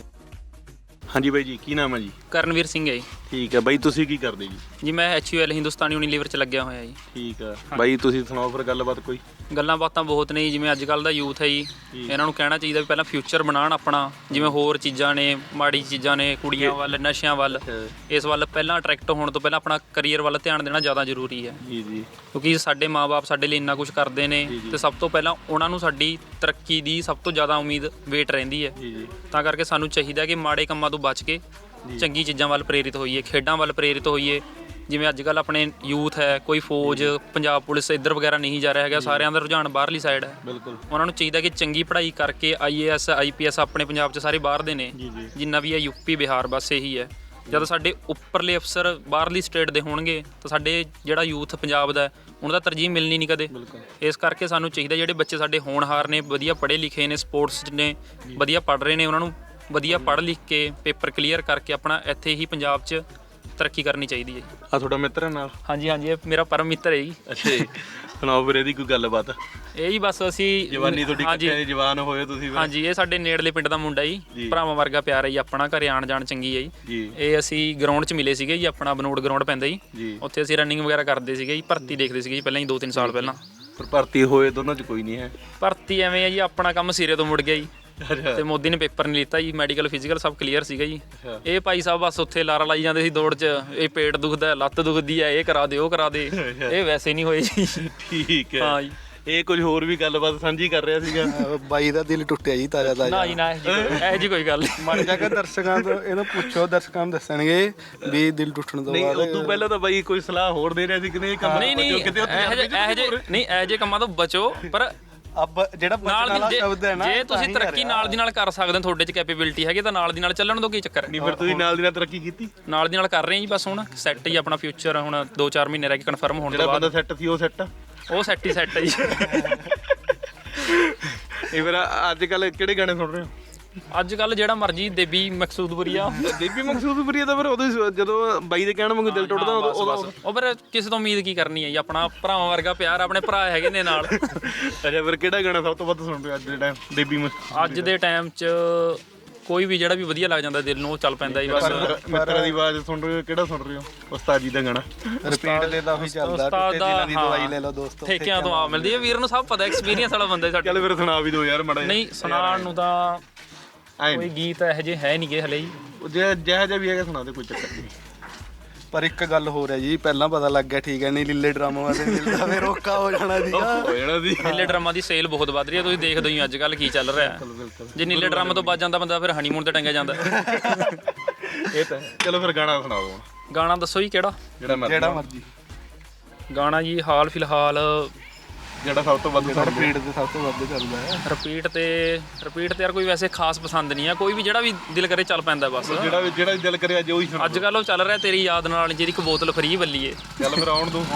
ਹਾਂਜੀ ਬਾਈ ਜੀ, ਕੀ ਨਾਮ ਹੈ ਜੀ?
ਕਰਨਵੀਰ ਸਿੰਘ ਹੈ ਜੀ।
ਠੀਕ ਹੈ ਬਾਈ, ਤੁਸੀਂ ਕੀ ਕਰਦੇ ਜੀ?
ਜੀ ਮੈਂ HUL ਹਿੰਦੁਸਤਾਨੀ ਯੂਨੀਲੀਵਰ 'ਚ ਲੱਗਿਆ ਹੋਇਆ ਜੀ।
ਠੀਕ ਹੈ ਬਾਈ, ਤੁਸੀਂ ਸੁਣਾਓ ਫਿਰ ਗੱਲਬਾਤ ਕੋਈ।
ਗੱਲਾਂ ਬਾਤਾਂ ਬਹੁਤ ਨੇ ਜੀ, ਜਿਵੇਂ ਅੱਜ ਕੱਲ੍ਹ ਦਾ ਯੂਥ ਹੈ ਜੀ, ਇਹਨਾਂ ਨੂੰ ਕਹਿਣਾ ਚਾਹੀਦਾ ਵੀ ਪਹਿਲਾਂ ਫਿਊਚਰ ਬਣਾਉਣ ਆਪਣਾ, ਜਿਵੇਂ ਹੋਰ ਚੀਜ਼ਾਂ ਨੇ, ਮਾੜੀ ਚੀਜ਼ਾਂ ਨੇ, ਕੁੜੀਆਂ ਵੱਲ, ਨਸ਼ਿਆਂ ਵੱਲ, ਇਸ ਵੱਲ ਪਹਿਲਾਂ ਅਟਰੈਕਟ ਹੋਣ ਤੋਂ ਪਹਿਲਾਂ ਆਪਣਾ ਕਰੀਅਰ ਵੱਲ ਧਿਆਨ ਦੇਣਾ ਜ਼ਿਆਦਾ ਜ਼ਰੂਰੀ ਹੈ।
ਜੀ ਜੀ।
ਕਿਉਂਕਿ ਸਾਡੇ ਮਾਪੇ ਸਾਡੇ ਲਈ ਇੰਨਾ ਕੁਝ ਕਰਦੇ ਨੇ ਤੇ ਸਭ ਤੋਂ ਪਹਿਲਾਂ ਉਹਨਾਂ ਨੂੰ ਸਾਡੀ ਤਰੱਕੀ ਦੀ ਸਭ ਤੋਂ ਜ਼ਿਆਦਾ ਉਮੀਦ ਵੇਟ ਰਹਿੰਦੀ ਹੈ। ਤਾਂ ਕਰਕੇ ਸਾਨੂੰ ਚਾਹੀਦਾ ਕਿ ਮਾੜੇ ਕੰਮਾਂ ਤੋਂ ਬਚ ਕੇ ਚੰਗੀ ਚੀਜ਼ਾਂ ਵੱਲ ਪ੍ਰੇਰਿਤ ਹੋਈਏ, ਖੇਡਾਂ ਵੱਲ ਪ੍ਰੇਰਿਤ ਹੋਈਏ। ਜਿਵੇਂ ਅੱਜ ਕੱਲ੍ਹ ਆਪਣੇ ਯੂਥ ਹੈ, ਕੋਈ ਫੌਜ, ਪੰਜਾਬ ਪੁਲਿਸ ਇੱਧਰ ਵਗੈਰਾ ਨਹੀਂ ਜਾ ਰਿਹਾ ਹੈਗਾ, ਸਾਰਿਆਂ ਦਾ ਰੁਝਾਨ ਬਾਹਰਲੀ ਸਾਈਡ ਹੈ।
ਬਿਲਕੁਲ।
ਉਹਨਾਂ ਨੂੰ ਚਾਹੀਦਾ ਕਿ ਚੰਗੀ ਪੜ੍ਹਾਈ ਕਰਕੇ IAS IPS ਆਪਣੇ ਪੰਜਾਬ 'ਚ ਸਾਰੇ ਬਾਹਰ ਦੇ ਨੇ, ਜਿੰਨਾ ਵੀ ਹੈ UP ਬਿਹਾਰ, ਬਸ ਇਹੀ ਹੈ। ਜਦੋਂ ਸਾਡੇ ਉੱਪਰਲੇ ਅਫਸਰ ਬਾਹਰਲੀ ਸਟੇਟ ਦੇ ਹੋਣਗੇ ਤਾਂ ਸਾਡੇ ਜਿਹੜਾ ਯੂਥ ਪੰਜਾਬ ਦਾ ਉਹਨਾਂ ਦਾ ਤਰਜੀਹ ਮਿਲਣੀ ਨਹੀਂ ਕਦੇ। ਇਸ ਕਰਕੇ ਸਾਨੂੰ ਚਾਹੀਦਾ ਜਿਹੜੇ ਬੱਚੇ ਸਾਡੇ ਹੋਣਹਾਰ ਨੇ, ਵਧੀਆ ਪੜ੍ਹੇ ਲਿਖੇ ਨੇ, ਸਪੋਰਟਸ ਨੇ ਵਧੀਆ ਪੜ੍ਹ ਰਹੇ ਨੇ, ਉਹਨਾਂ ਨੂੰ ਵਧੀਆ ਪੜ੍ਹ ਲਿਖ ਕੇ ਪੇਪਰ ਕਲੀਅਰ ਕਰਕੇ ਆਪਣਾ ਇੱਥੇ ਹੀ ਪੰਜਾਬ 'ਚ ਤਰੱਕੀ ਕਰਨੀ ਚਾਹੀਦੀ ਹੈ।
ਆ ਤੁਹਾਡਾ ਮਿੱਤਰ ਹੈ ਨਾਲ?
ਹਾਂਜੀ ਹਾਂਜੀ, ਇਹ ਮੇਰਾ ਪਰਮ ਮਿੱਤਰ ਹੈ ਜੀ।
ਅੱਛਾ ਜੀ, ਸੁਣਾਓ ਫਿਰ ਇਹਦੀ ਕੋਈ ਗੱਲਬਾਤ।
ਇਹ ਜੀ ਬਸ ਅਸੀਂ
ਜਵਾਨੀ ਤੁਹਾਡੀ ਕਿੱਥੇ ਜਵਾਨ ਹੋਏ ਤੁਸੀਂ ਫਿਰ?
ਹਾਂਜੀ, ਇਹ ਸਾਡੇ ਨੇੜਲੇ ਪਿੰਡ ਦਾ ਮੁੰਡਾ ਜੀ, ਭਰਾਵਾਂ ਵਰਗਾ ਪਿਆਰ ਹੈ ਜੀ ਆਪਣਾ, ਘਰੇ ਆਣ ਜਾਣ ਚੰਗੀ ਹੈ ਜੀ। ਇਹ ਅਸੀਂ ਗਰਾਊਂਡ 'ਚ ਮਿਲੇ ਸੀਗੇ ਜੀ, ਆਪਣਾ ਬਨੋੜ ਗਰਾਊਂਡ ਪੈਂਦਾ ਜੀ, ਉੱਥੇ ਅਸੀਂ ਰਨਿੰਗ ਵਗੈਰਾ ਕਰਦੇ ਸੀਗੇ ਜੀ, ਭਰਤੀ ਦੇਖਦੇ ਸੀਗੇ ਜੀ ਪਹਿਲਾਂ ਹੀ 2-3 ਸਾਲ ਪਹਿਲਾਂ।
ਪਰ ਭਰਤੀ ਹੋਏ ਦੋਨਾਂ 'ਚ ਕੋਈ ਨਹੀਂ ਹੈ?
ਭਰਤੀ ਐਵੇਂ ਹੈ ਜੀ, ਆਪਣਾ ਕੰਮ ਸਿਰੇ ਤੋਂ ਮੁੜ ਗਿਆ ਜੀ, ਤੇ ਮੋਦੀ ਨੇ ਪੇਪਰ ਨਹੀਂ ਲਿੱਤਾ ਜੀ, ਮੈਡੀਕਲ ਫਿਜ਼ੀਕਲ ਸਭ ਕਲੀਅਰ ਸੀਗਾ ਜੀ। ਇਹ ਭਾਈ ਸਾਹਿਬ ਬਸ ਉੱਥੇ ਲਾਰਾ ਲਾਈ ਜਾਂਦੇ ਸੀ ਦੌੜ 'ਚ, ਇਹ ਪੇਟ ਦੁਖਦਾ, ਲੱਤ ਦੁਖਦੀ ਹੈ, ਇਹ ਕਰਾ ਦੇ, ਉਹ ਕਰਾ ਦੇ, ਇਹ ਵੈਸੇ ਨਹੀਂ ਹੋਏ ਜੀ।
ਠੀਕ ਹੈ।
ਹਾਂ ਜੀ,
ਇਹ ਕੁਝ ਹੋਰ ਵੀ ਗੱਲਬਾਤ ਸਾਂਝੀ ਕਰ ਰਿਹਾ ਸੀਗਾ।
ਬਾਈ ਦਾ ਦਿਲ ਟੁੱਟਿਆ ਜੀ, ਤਾਜ਼ਾ ਤਾਜ਼ਾ।
ਨਾ ਜੀ ਨਾ, ਇਹੋ ਜਿਹੀ ਕੋਈ ਗੱਲ ਨਹੀਂ।
ਮਰ ਜਾ ਕੇ ਦਰਸ਼ਕਾਂ ਤੋਂ ਇਹਨੂੰ ਪੁੱਛੋ, ਦਰਸ਼ਕਾਂ ਨੂੰ ਦੱਸਣਗੇ ਵੀ ਦਿਲ ਟੁੱਟਣ ਤੋਂ
ਨਹੀਂ,
ਬਾਅਦ।
ਉਦੋਂ ਪਹਿਲਾਂ ਤਾਂ ਬਾਈ ਕੋਈ ਸਲਾਹ ਹੋਰ ਦੇ ਰਿਹਾ ਸੀ ਕਿ ਇਹ ਕੰਮ
ਨਹੀਂ ਨਹੀਂ, ਇਹੋ ਜਿਹੇ ਕੰਮਾਂ ਤੋਂ ਬਚੋ। ਪਰ
ਅਬ ਜਿਹੜਾ ਬਚਣ ਵਾਲਾ ਸ਼ਬਦ ਹੈ ਨਾ,
ਜੇ ਤੁਸੀਂ ਤਰੱਕੀ ਨਾਲ ਦੀ ਨਾਲ ਕਰ ਸਕਦੇ ਹੋ, ਤੁਹਾਡੇ 'ਚ ਕੈਪੇਬਿਲਿਟੀ ਹੈਗੀ ਤਾਂ ਨਾਲ ਦੀ ਨਾਲ ਚੱਲਣ ਤੋਂ ਕੀ ਚੱਕਰ ਹੈ।
ਨਹੀਂ ਫਿਰ ਤੁਸੀਂ ਨਾਲ ਦੀ ਨਾਲ ਤਰੱਕੀ ਕੀਤੀ?
ਨਾਲ ਦੀ ਨਾਲ ਕਰ ਰਹੇ ਹਾਂ ਜੀ, ਬਸ ਹੁਣ ਸੈੱਟ ਹੀ ਆਪਣਾ ਫਿਊਚਰ, ਹੁਣ 2-4 ਮਹੀਨੇ ਰਹਿ ਕੇ ਕਨਫਰਮ ਹੋਣ ਤੋਂ
ਜਿਹੜਾ
ਬਾਅਦ।
ਬੰਦਾ ਸੈੱਟ ਸੀ ਉਹ ਸੈੱਟ ਆ?
ਉਹ ਸੈੱਟ ਹੀ ਸੈੱਟ ਹੈ ਜੀ।
ਇਹ ਫਿਰ ਅੱਜ ਕੱਲ ਕਿਹੜੇ ਗਾਣੇ ਸੁਣ ਰਹੇ ਹੋ?
ਅੱਜ ਕੱਲ ਜਿਹੜਾ ਮਰਜੀ ਦੇਬੀ ਮਕਸੂਦਪੁਰੀਆ।
ਦੇਬੀ ਮਕਸੂਦਪੁਰੀਆ ਤਾਂ ਫਿਰ ਉਦੋਂ ਜਦੋਂ ਬਾਈ ਦੇ ਕਹਿਣ ਵਾਂਗੂ ਦਿਲ ਟੁੱਟਦਾ
ਉਹ ਫਿਰ ਕਿਸੇ ਤੋਂ ਉਮੀਦ ਕੀ ਕਰਨੀ ਹੈ ਜੀ, ਆਪਣਾ ਭਰਾਵਾਂ ਵਰਗਾ ਪਿਆਰ, ਆਪਣੇ ਭਰਾ ਹੈਗੇ ਨੇ ਨਾਲ।
ਅੱਛਾ, ਫਿਰ ਕਿਹੜਾ ਗਾਣਾ ਸਭ ਤੋਂ ਵੱਧ ਸੁਣ ਰਹੇ ਹੋ ਅੱਜ ਦੇ ਟਾਈਮ? ਦੇਬੀ
ਅੱਜ ਦੇ ਟਾਈਮ 'ਚ ਕੋਈ ਵੀ ਜਿਹੜਾ ਵੀ ਵਧੀਆ ਲੱਗ ਜਾਂਦਾ ਦਿਲ ਨੂੰ ਉਹ ਚੱਲ ਪੈਂਦਾ ਜੀ। ਬਸ
ਮਿੱਤਰਾਂ ਦੀ ਆਵਾਜ਼ ਸੁਣ ਰਹੇ ਹੋ, ਕਿਹੜਾ ਸੁਣ ਰਹੇ ਹੋ? ਉਸਤਾਦ ਜੀ ਦਾ ਗਾਣਾ
ਰਿਪੀਟ ਦੇ ਤਾਂ ਉਹੀ ਚੱਲਦਾ, ਟੁੱਟੇ ਦਿਲਾਂ ਦੀ ਦਵਾਈ ਲੈ ਲਓ ਦੋਸਤੋ,
ਠੇਕਿਆਂ ਤੋਂ ਆ ਮਿਲਦੀ ਹੈ। ਵੀਰ ਨੂੰ ਸਭ ਪਤਾ, ਐਕਸਪੀਰੀਅੰਸ ਵਾਲਾ ਬੰਦਾ ਸਾਡੇ।
ਚੱਲ ਫਿਰ ਸੁਣਾ ਵੀ ਦਿਓ ਯਾਰ ਮਾੜਾ ਜਿਹਾ।
ਨਹੀਂ, ਸੁਣਾਉਣ ਨੂੰ ਤਾਂ ਕੋਈ ਗੀਤ ਇਹੋ ਜਿਹੇ ਹੈ ਨਹੀਂ ਗੇ ਹਲੇ ਜੀ।
ਜਿਹੜਾ ਜਿਹਾ ਵੀ ਹੈਗਾ ਸੁਣਾ ਦੇ, ਕੋਈ ਚੱਕਰ ਨਹੀਂ।
ਪਰ ਇੱਕ ਗੱਲ ਹੋਰ ਹੈ ਜੀ, ਪਹਿਲਾਂ ਪਤਾ ਲੱਗ ਗਿਆ, ਠੀਕ ਹੈ, ਨਹੀਂ ਲੀਲੇ ਡਰਾਮਾ ਵਾਲੇ ਮਿਲਦਾ ਫਿਰ ਔਖਾ ਹੋ ਜਾਣਾ ਸੀਗਾ।
ਹੋ ਜਾਣਾ ਸੀ।
ਨੀਲੇ ਡਰਾਮਾ ਦੀ ਸੇਲ ਬਹੁਤ ਵੱਧ ਰਹੀ ਹੈ, ਤੁਸੀਂ ਦੇਖਦੇ ਹੋ ਅੱਜ ਕੱਲ ਕੀ ਚੱਲ ਰਿਹਾ। ਜੇ ਨੀਲੇ ਡਰਾਮਾ ਤੋਂ ਬਚ ਜਾਂਦਾ ਬੰਦਾ, ਫਿਰ ਹਨੀਮੂਨ ਤੇ ਟੰਗਿਆ ਜਾਂਦਾ।
ਇਹ ਤਾਂ ਚਲੋ ਫਿਰ ਗਾਣਾ ਸੁਣਾ ਦਿਓ।
ਗਾਣਾ ਦੱਸੋ ਜੀ ਕਿਹੜਾ?
ਜਿਹੜਾ
ਮਰਜ਼ੀ
ਗਾਣਾ ਜੀ ਹਾਲ ਫਿਲਹਾਲ
ਜਿਹੜਾ ਸਭ ਤੋਂ ਵੱਧ
ਰਿਪੀਟ ਤੇ ਸਭ ਤੋਂ ਵੱਧ ਚੱਲਦਾ ਹੈ।
ਰਿਪੀਟ ਤੇ ਯਾਰ ਕੋਈ ਵੈਸੇ ਖਾਸ ਪਸੰਦ ਨਹੀਂ ਆ, ਕੋਈ ਵੀ ਜਿਹੜਾ ਵੀ ਦਿਲ ਕਰੇ ਚੱਲ ਪੈਂਦਾ ਬਸ।
ਜਿਹੜਾ ਦਿਲ ਕਰਿਆ ਅੱਜ ਉਹੀ ਸੁਣਾ।
ਅੱਜ ਕੱਲ ਉਹ ਚੱਲ ਰਿਹਾ ਤੇਰੀ ਯਾਦ ਨਾਲ, ਜਿਹੜੀ ਇੱਕ ਬੋਤਲ ਫਰੀ ਬੱਲੀਏ।
ਚੱਲ ਫਿਰ ਆਉਣ ਦੋ।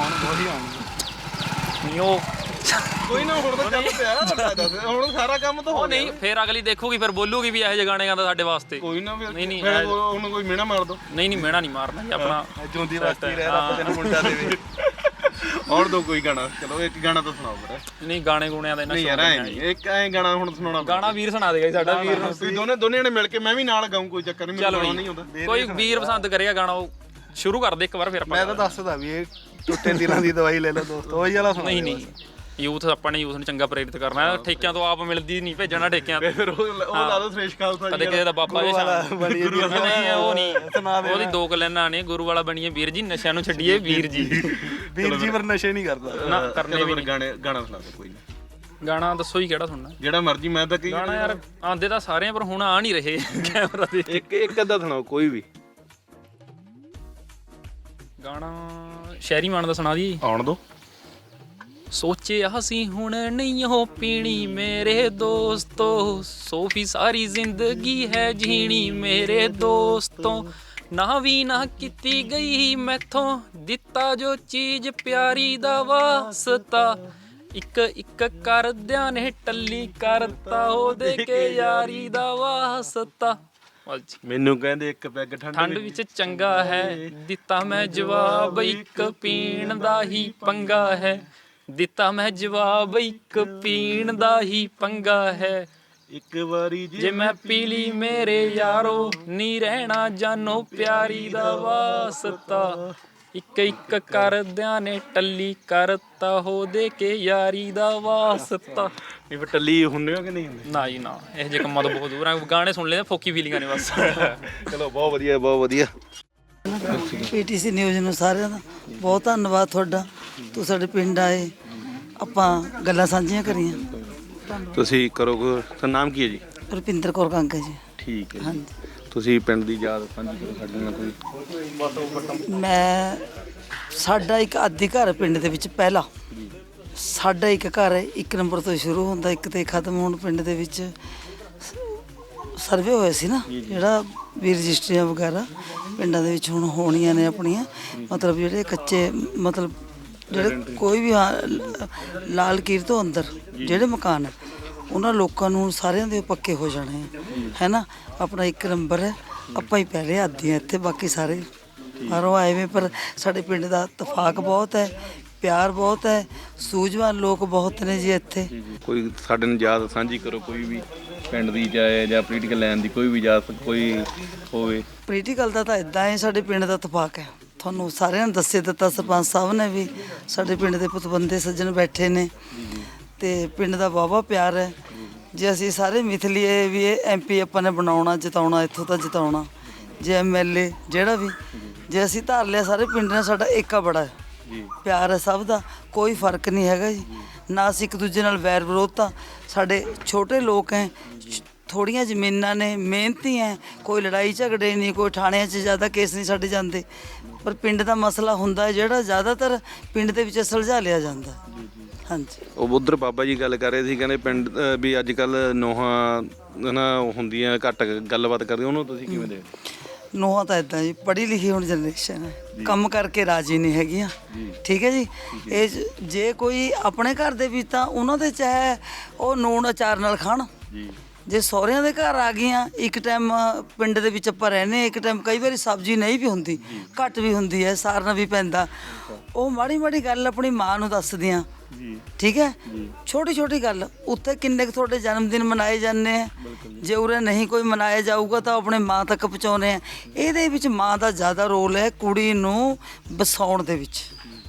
ਨਹੀਂ ਉਹ
ਕੋਈ ਨਾ, ਹੁਣ ਤਾਂ ਚੱਲ ਪਿਆ, ਹੁਣ ਸਾਰਾ ਕੰਮ ਤਾਂ ਹੋ ਗਿਆ।
ਨਹੀਂ, ਫਿਰ ਅਗਲੀ ਦੇਖੂਗੀ, ਫਿਰ ਬੋਲੂਗੀ ਵੀ ਇਹੋ ਜਿਹੇ ਗਾਣੇ ਗਾਉਂਦਾ ਸਾਡੇ ਵਾਸਤੇ।
ਕੋਈ ਨਾ,
ਨਹੀਂ
ਉਹਨੂੰ ਕੋਈ ਮਿਹਣਾ ਮਾਰ ਦੋ।
ਨਹੀਂ ਮਿਹਣਾ ਨਹੀਂ ਮਾਰਨਾ ਜੀ, ਆਪਣਾ
ਜੂੰਦੀ ਵਸਤੀ ਰਹਿ, ਰੱਬ ਤੈਨੂੰ ਮੁੰਡਾ ਦੇਵੇ।
ਆਉਣ ਦੋ ਕੋਈ ਗਾਣਾ, ਚਲੋ ਇੱਕ ਗਾਣਾ ਤਾਂ ਸੁਣਾਓ ਫਿਰ।
ਨਹੀਂ, ਗਾਣੇ ਗੂਣਿਆਂ ਦਾ
ਨਹੀਂ ਯਾਰ, ਇੱਕ ਐਂ ਗਾਣਾ ਹੁਣ ਸੁਣਾਉਣਾ।
ਗਾਣਾ ਵੀਰ ਸੁਣਾ ਦੇਗਾ ਜੀ ਸਾਡਾ। ਵੀਰ ਨੂੰ
ਤੁਸੀਂ ਦੋਨੇ ਜਣੇ ਮਿਲ ਕੇ, ਮੈਂ ਵੀ ਨਾਲ ਗਾਉਂ, ਕੋਈ ਚੱਕਰ ਨਹੀਂ, ਮੈਨੂੰ ਨਹੀਂ ਹੁੰਦਾ।
ਕੋਈ ਵੀਰ ਪਸੰਦ ਕਰੇਗਾ ਗਾਣਾ, ਉਹ ਸ਼ੁਰੂ ਕਰ ਦੇ ਇੱਕ ਵਾਰ, ਫਿਰ ਆਪਾਂ।
ਮੈਂ ਤਾਂ ਦੱਸਦਾ ਵੀ ਇਹ ਟੁੱਟੇ ਦਿਲਾਂ ਦੀ ਦਵਾਈ ਲੈ ਲਓ ਦੋਸਤੋ, ਉਹੀ ਵਾਲਾ ਸੁਣਾ।
ਨਹੀਂ, ਯੂਥ ਆਪਾਂ ਨੇ ਯੂਥ ਨੂੰ ਚੰਗਾ ਪ੍ਰੇਰਿਤ ਕਰਨਾ ਹੈ। ਠੇਕਿਆਂ ਤੋਂ ਆਪ ਮਿਲਦੀ ਨਹੀਂ, ਭੇਜਣਾ ਠੇਕਿਆਂ ਤੇ।
ਫਿਰ ਉਹ ਲਾ ਦੋ ਸ੍ਰੇਸ਼ ਖਾਲਸਾ ਜੀ।
ਕਦੇ ਕਿਸੇ ਦਾ ਬਾਬਾ ਜੀ ਨਹੀਂ, ਉਹ ਨਹੀਂ, ਉਹਦੀ 2 ਕਲੈਨਾਂ ਨੇ। ਗੁਰੂ ਵਾਲਾ ਬਣੀਏ ਵੀਰ ਜੀ, ਨਸ਼ਿਆਂ ਨੂੰ ਛੱਡੀਏ ਵੀਰ ਜੀ।
ਵੀਰ ਜੀ ਪਰ ਨਸ਼ੇ ਨਹੀਂ ਕਰਦਾ
ਨਾ ਕਰਨੇ ਵੀ।
ਗਾਣਾ ਸੁਣਾ ਦਿਓ ਕੋਈ ਨਾ।
ਗਾਣਾ ਦੱਸੋ ਜੀ ਕਿਹੜਾ ਸੁਣਨਾ?
ਜਿਹੜਾ ਮਰਜੀ। ਮੈਂ ਤਾਂ ਕਹੀ
ਗਾਣਾ ਯਾਰ ਆਂਦੇ ਤਾਂ ਸਾਰੇ ਆ, ਪਰ ਹੁਣ ਆ ਨਹੀਂ ਰਹੇ ਕੈਮਰਾ ਦੇ।
ਇੱਕ ਅੱਧਾ ਸੁਣਾਓ ਕੋਈ ਵੀ
ਗਾਣਾ ਸ਼ਹਿਰੀ ਮਾਨ ਦਾ ਸੁਣਾ ਦੀ।
ਆਉਣ ਦੋ।
ਸੋਚਿਆ ਸੀ ਹੁਣ ਨਹੀਂ ਉਹ ਪੀਣੀ ਮੇਰੇ ਦੋਸਤੋ, ਸੋਫੀ ਸਾਰੀ ਜ਼ਿੰਦਗੀ ਹੈ ਜੀਣੀ ਮੇਰੇ ਦੋਸਤੋ, ਨਾ ਵੀ ਨਾ ਕੀਤੀ ਗਈ ਮੈਥੋਂ, ਦਿੱਤਾ ਜੋ ਚੀਜ਼ ਪਿਆਰੀ ਦਾ ਵਾਸਤਾ, ਇੱਕ ਇੱਕ ਕਰਦਿਆਂ ਨੇ ਟੱਲੀ ਕਰਤਾ ਉਹਦੇ ਕੇ ਯਾਰੀ ਦਾ ਵਾਸਤਾ।
ਮੈਨੂੰ ਕਹਿੰਦੇ ਇੱਕ ਪੈਗ
ਠੰਡ ਵਿੱਚ ਚੰਗਾ ਹੈ, ਦਿੱਤਾ ਮੈਂ ਜਵਾਬ ਇੱਕ ਪੀਣ ਦਾ ਹੀ ਪੰਗਾ ਹੈ, ਦਿੱਤਾ ਮੈਂ ਜਵਾਬ ਇੱਕ ਪੀਣ ਦਾ ਹੀ ਪੰਗਾ ਹੈ,
ਇੱਕ ਵਾਰੀ
ਜੇ ਮੈਂ ਪੀ ਲਈ ਮੇਰੇ ਯਾਰੋ, ਨੀ ਰਹਿਣਾ ਜਾਨੋ ਪਿਆਰੀ ਦਾ ਵਾਸਤਾ, ਇੱਕ ਇੱਕ ਕਰਦਿਆਂ ਨੇ ਟੱਲੀ ਕਰਤਾ ਹੋ ਦੇ ਕੇ ਯਾਰੀ ਦਾ ਵਾਸਤਾ।
ਨਹੀਂ ਫਿਰ ਟੱਲੀ ਹੁੰਦੇ ਹੋ ਕਿ ਨਹੀਂ ਹੁੰਦੇ?
ਨਾ ਜੀ ਨਾ, ਇਹ ਜਿਹੇ ਕੰਮਾਂ ਤੋਂ ਬਹੁਤ ਦੂਰ ਆ, ਗਾਣੇ ਸੁਣ ਲੈਂਦੇ ਫੋਕੀ ਫੀਲਿੰਗਾਂ ਨੇ ਬਸ।
ਚਲੋ ਬਹੁਤ ਵਧੀਆ ਬਹੁਤ ਵਧੀਆ।
ਪੀਟੀਸੀ ਨਿਊਜ਼ ਨੂੰ ਸਾਰਿਆਂ ਦਾ ਬਹੁਤ ਧੰਨਵਾਦ ਤੁਹਾਡਾ, ਤੂੰ ਸਾਡੇ ਪਿੰਡ ਆਏ, ਆਪਾਂ ਗੱਲਾਂ ਸਾਂਝੀਆਂ ਕਰੀਆਂ।
ਤੁਸੀਂ ਕਰੋ ਤਾਂ ਨਾਮ ਕੀ ਹੈ ਜੀ?
ਰੁਪਿੰਦਰ ਕੌਰ ਕਾਂਗਾ ਜੀ।
ਠੀਕ ਹੈ ਜੀ।
ਹਾਂਜੀ,
ਤੁਸੀਂ ਪਿੰਡ ਦੀ ਯਾਦ ਸਾਂਝੀ ਕਰੋ ਸਾਡੇ ਨਾਲ ਕੋਈ।
ਮੈਂ ਸਾਡਾ ਇੱਕ ਆਦਿ ਘਰ ਪਿੰਡ ਦੇ ਵਿੱਚ ਪਹਿਲਾ, ਸਾਡਾ ਇੱਕ ਘਰ ਹੈ 1 ਨੰਬਰ ਤੋਂ ਸ਼ੁਰੂ ਹੁੰਦਾ 1 ਤੇ ਖਤਮ ਹੋਣ। ਪਿੰਡ ਦੇ ਵਿੱਚ ਸਰਵੇ ਹੋਇਆ ਸੀ ਨਾ, ਜਿਹੜਾ ਵੀ ਰਜਿਸਟਰੀਆਂ ਵਗੈਰਾ ਪਿੰਡਾਂ ਦੇ ਵਿੱਚ ਹੁਣ ਹੋਣੀਆਂ ਨੇ ਆਪਣੀਆਂ, ਮਤਲਬ ਜਿਹੜੇ ਕੱਚੇ, ਮਤਲਬ ਜਿਹੜੇ ਕੋਈ ਵੀ ਲਾਲ ਕੀਰ ਤੋਂ ਅੰਦਰ ਜਿਹੜੇ ਮਕਾਨ ਹੈ ਉਹਨਾਂ ਲੋਕਾਂ ਨੂੰ ਸਾਰਿਆਂ ਦੇ ਪੱਕੇ ਹੋ ਜਾਣੇ ਹੈ ਨਾ। ਆਪਣਾ 1 ਨੰਬਰ ਹੈ, ਆਪਾਂ ਹੀ ਪਹਿਲੇ ਆਦੀਆਂ ਇੱਥੇ, ਬਾਕੀ ਸਾਰੇ ਬਾਹਰੋਂ ਆਏ ਵੇ, ਪਰ ਸਾਡੇ ਪਿੰਡ ਦਾ ਇਤਫਾਕ ਬਹੁਤ ਹੈ, ਪਿਆਰ ਬਹੁਤ ਹੈ, ਸੂਝਵਾਨ ਲੋਕ ਬਹੁਤ ਨੇ ਜੀ ਇੱਥੇ।
ਕੋਈ ਸਾਡੇ ਨਾਲ ਯਾਦ ਸਾਂਝੀ ਕਰੋ, ਕੋਈ ਵੀ ਪਿੰਡ ਦੀ ਜਾਂ ਪੋਲੀਟੀਕਲ ਲਾਈਨ ਦੀ ਕੋਈ ਵੀ ਯਾਦ ਕੋਈ ਹੋਵੇ।
ਪੋਲੀਟੀਕਲ ਦਾ ਤਾਂ ਇਦਾਂ ਹੈ, ਸਾਡੇ ਪਿੰਡ ਦਾ ਇਤਫਾਕ ਹੈ, ਤੁਹਾਨੂੰ ਸਾਰਿਆਂ ਨੂੰ ਦੱਸੇ ਦਿੱਤਾ ਸਰਪੰਚ ਸਾਹਿਬ ਨੇ ਵੀ, ਸਾਡੇ ਪਿੰਡ ਦੇ ਪਤਵੰਤੇ ਸੱਜਣ ਬੈਠੇ ਨੇ, ਤੇ ਪਿੰਡ ਦਾ ਵਾਹਵਾ ਪਿਆਰ ਹੈ। ਜੇ ਅਸੀਂ ਸਾਰੇ ਮਿਥ ਲਈਏ ਵੀ ਇਹ MP ਆਪਾਂ ਨੇ ਬਣਾਉਣਾ, ਜਿਤਾਉਣਾ, ਇੱਥੋਂ ਤਾਂ ਜਿਤਾਉਣਾ, ਜੇ MLA ਜਿਹੜਾ ਵੀ, ਜੇ ਅਸੀਂ ਧਾਰ ਲਿਆ ਸਾਰੇ ਪਿੰਡ ਨੇ ਸਾਡਾ ਏਕਾ ਬੜਾ ਹੈ, ਪਿਆਰ ਹੈ ਸਭ ਦਾ, ਕੋਈ ਫਰਕ ਨਹੀਂ ਹੈਗਾ ਜੀ, ਨਾ ਅਸੀਂ ਇੱਕ ਦੂਜੇ ਨਾਲ ਵੈਰ ਵਿਰੋਧ। ਤਾਂ ਸਾਡੇ ਛੋਟੇ ਲੋਕ ਹੈ, ਥੋੜ੍ਹੀਆਂ ਜ਼ਮੀਨਾਂ ਨੇ, ਮਿਹਨਤੀ ਹੈ, ਕੋਈ ਲੜਾਈ ਝਗੜੇ ਨਹੀਂ, ਕੋਈ ਥਾਣਿਆਂ 'ਚ ਜ਼ਿਆਦਾ ਕੇਸ ਨਹੀਂ ਸਾਡੇ ਜਾਂਦੇ, ਪਰ ਪਿੰਡ ਦਾ ਮਸਲਾ ਹੁੰਦਾ ਹੈ ਜਿਹੜਾ ਜ਼ਿਆਦਾਤਰ ਪਿੰਡ ਦੇ ਵਿੱਚ ਸੁਲਝਾ ਲਿਆ ਜਾਂਦਾ। ਹਾਂਜੀ,
ਉਹ ਉਧਰ ਬਾਬਾ ਜੀ ਗੱਲ ਕਰ ਰਹੇ ਸੀ, ਕਹਿੰਦੇ ਪਿੰਡ ਵੀ ਅੱਜ ਕੱਲ ਨੋਹਾਂ ਨਾ ਹੁੰਦੀਆਂ ਘੱਟ ਗੱਲਬਾਤ ਕਰਦੀਆਂ, ਉਹਨੂੰ ਤੁਸੀਂ ਕਿਵੇਂ ਦੇਖਦੇ?
ਨੂੰਹਾਂ ਤਾਂ ਇੱਦਾਂ ਜੀ, ਪੜ੍ਹੀ ਲਿਖੀ ਹੁਣ ਜਨਰੇਸ਼ਨ ਹੈ, ਕੰਮ ਕਰਕੇ ਰਾਜੀ ਨਹੀਂ ਹੈਗੀਆਂ। ਠੀਕ ਹੈ ਜੀ, ਇਹ ਜੇ ਕੋਈ ਆਪਣੇ ਘਰ ਦੇ ਵਿੱਚ ਤਾਂ ਉਹਨਾਂ ਦੇ ਚਾਹੇ ਉਹ ਨੂਣ ਅਚਾਰ ਨਾਲ ਖਾਣ, ਜੇ ਸਹੁਰਿਆਂ ਦੇ ਘਰ ਆ ਗਈਆਂ, ਇੱਕ ਟਾਈਮ ਪਿੰਡ ਦੇ ਵਿੱਚ ਆਪਾਂ ਰਹਿੰਦੇ, ਇੱਕ ਟਾਈਮ ਕਈ ਵਾਰੀ ਸਬਜ਼ੀ ਨਹੀਂ ਵੀ ਹੁੰਦੀ, ਘੱਟ ਵੀ ਹੁੰਦੀ ਹੈ, ਸਾਰਨਾ ਵੀ ਪੈਂਦਾ, ਉਹ ਮਾੜੀ ਮਾੜੀ ਗੱਲ ਆਪਣੀ ਮਾਂ ਨੂੰ ਦੱਸਦੀਆਂ। ਠੀਕ ਹੈ, ਛੋਟੀ ਛੋਟੀ ਗੱਲ ਉੱਥੇ ਕਿੰਨੇ ਕੁ ਤੁਹਾਡੇ ਜਨਮ ਦਿਨ ਮਨਾਏ ਜਾਂਦੇ ਆ, ਜੇ ਉਰੇ ਨਹੀਂ ਕੋਈ ਮਨਾਇਆ ਜਾਊਗਾ ਤਾਂ ਆਪਣੇ ਮਾਂ ਤੱਕ ਪਹੁੰਚਾਉਂਦੇ ਆ। ਇਹਦੇ ਵਿੱਚ ਮਾਂ ਦਾ ਜ਼ਿਆਦਾ ਰੋਲ ਹੈ, ਕੁੜੀ ਨੂੰ ਵਸਾਉਣ ਦੇ ਵਿੱਚ,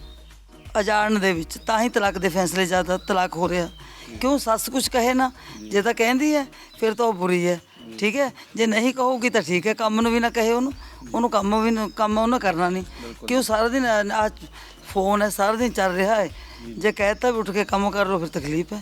ਅਜਾੜਨ ਦੇ ਵਿੱਚ, ਤਾਂ ਹੀ ਤਲਾਕ ਦੇ ਫੈਸਲੇ ਜ਼ਿਆਦਾ ਤਲਾਕ ਹੋ ਰਿਹਾ। ਕਿਉਂ? ਸੱਸ ਕੁਛ ਕਹੇ ਨਾ, ਜੇ ਤਾਂ ਕਹਿੰਦੀ ਹੈ ਫਿਰ ਤਾਂ ਉਹ ਬੁਰੀ ਹੈ। ਠੀਕ ਹੈ, ਜੇ ਨਹੀਂ ਕਹੂਗੀ ਤਾਂ ਠੀਕ ਹੈ, ਕੰਮ ਨੂੰ ਵੀ ਨਾ ਕਹੇ ਉਹਨੂੰ ਕੰਮ ਉਹਨੇ ਕਰਨਾ ਨਹੀਂ। ਕਿਉਂ? ਸਾਰਾ ਦਿਨ ਆ ਫੋਨ ਹੈ, ਸਾਰਾ ਦਿਨ ਚੱਲ ਰਿਹਾ ਹੈ, ਜੇ ਕਹਿਤਾ ਵੀ ਉੱਠ ਕੇ ਕੰਮ ਕਰ ਲਓ ਫਿਰ ਤਕਲੀਫ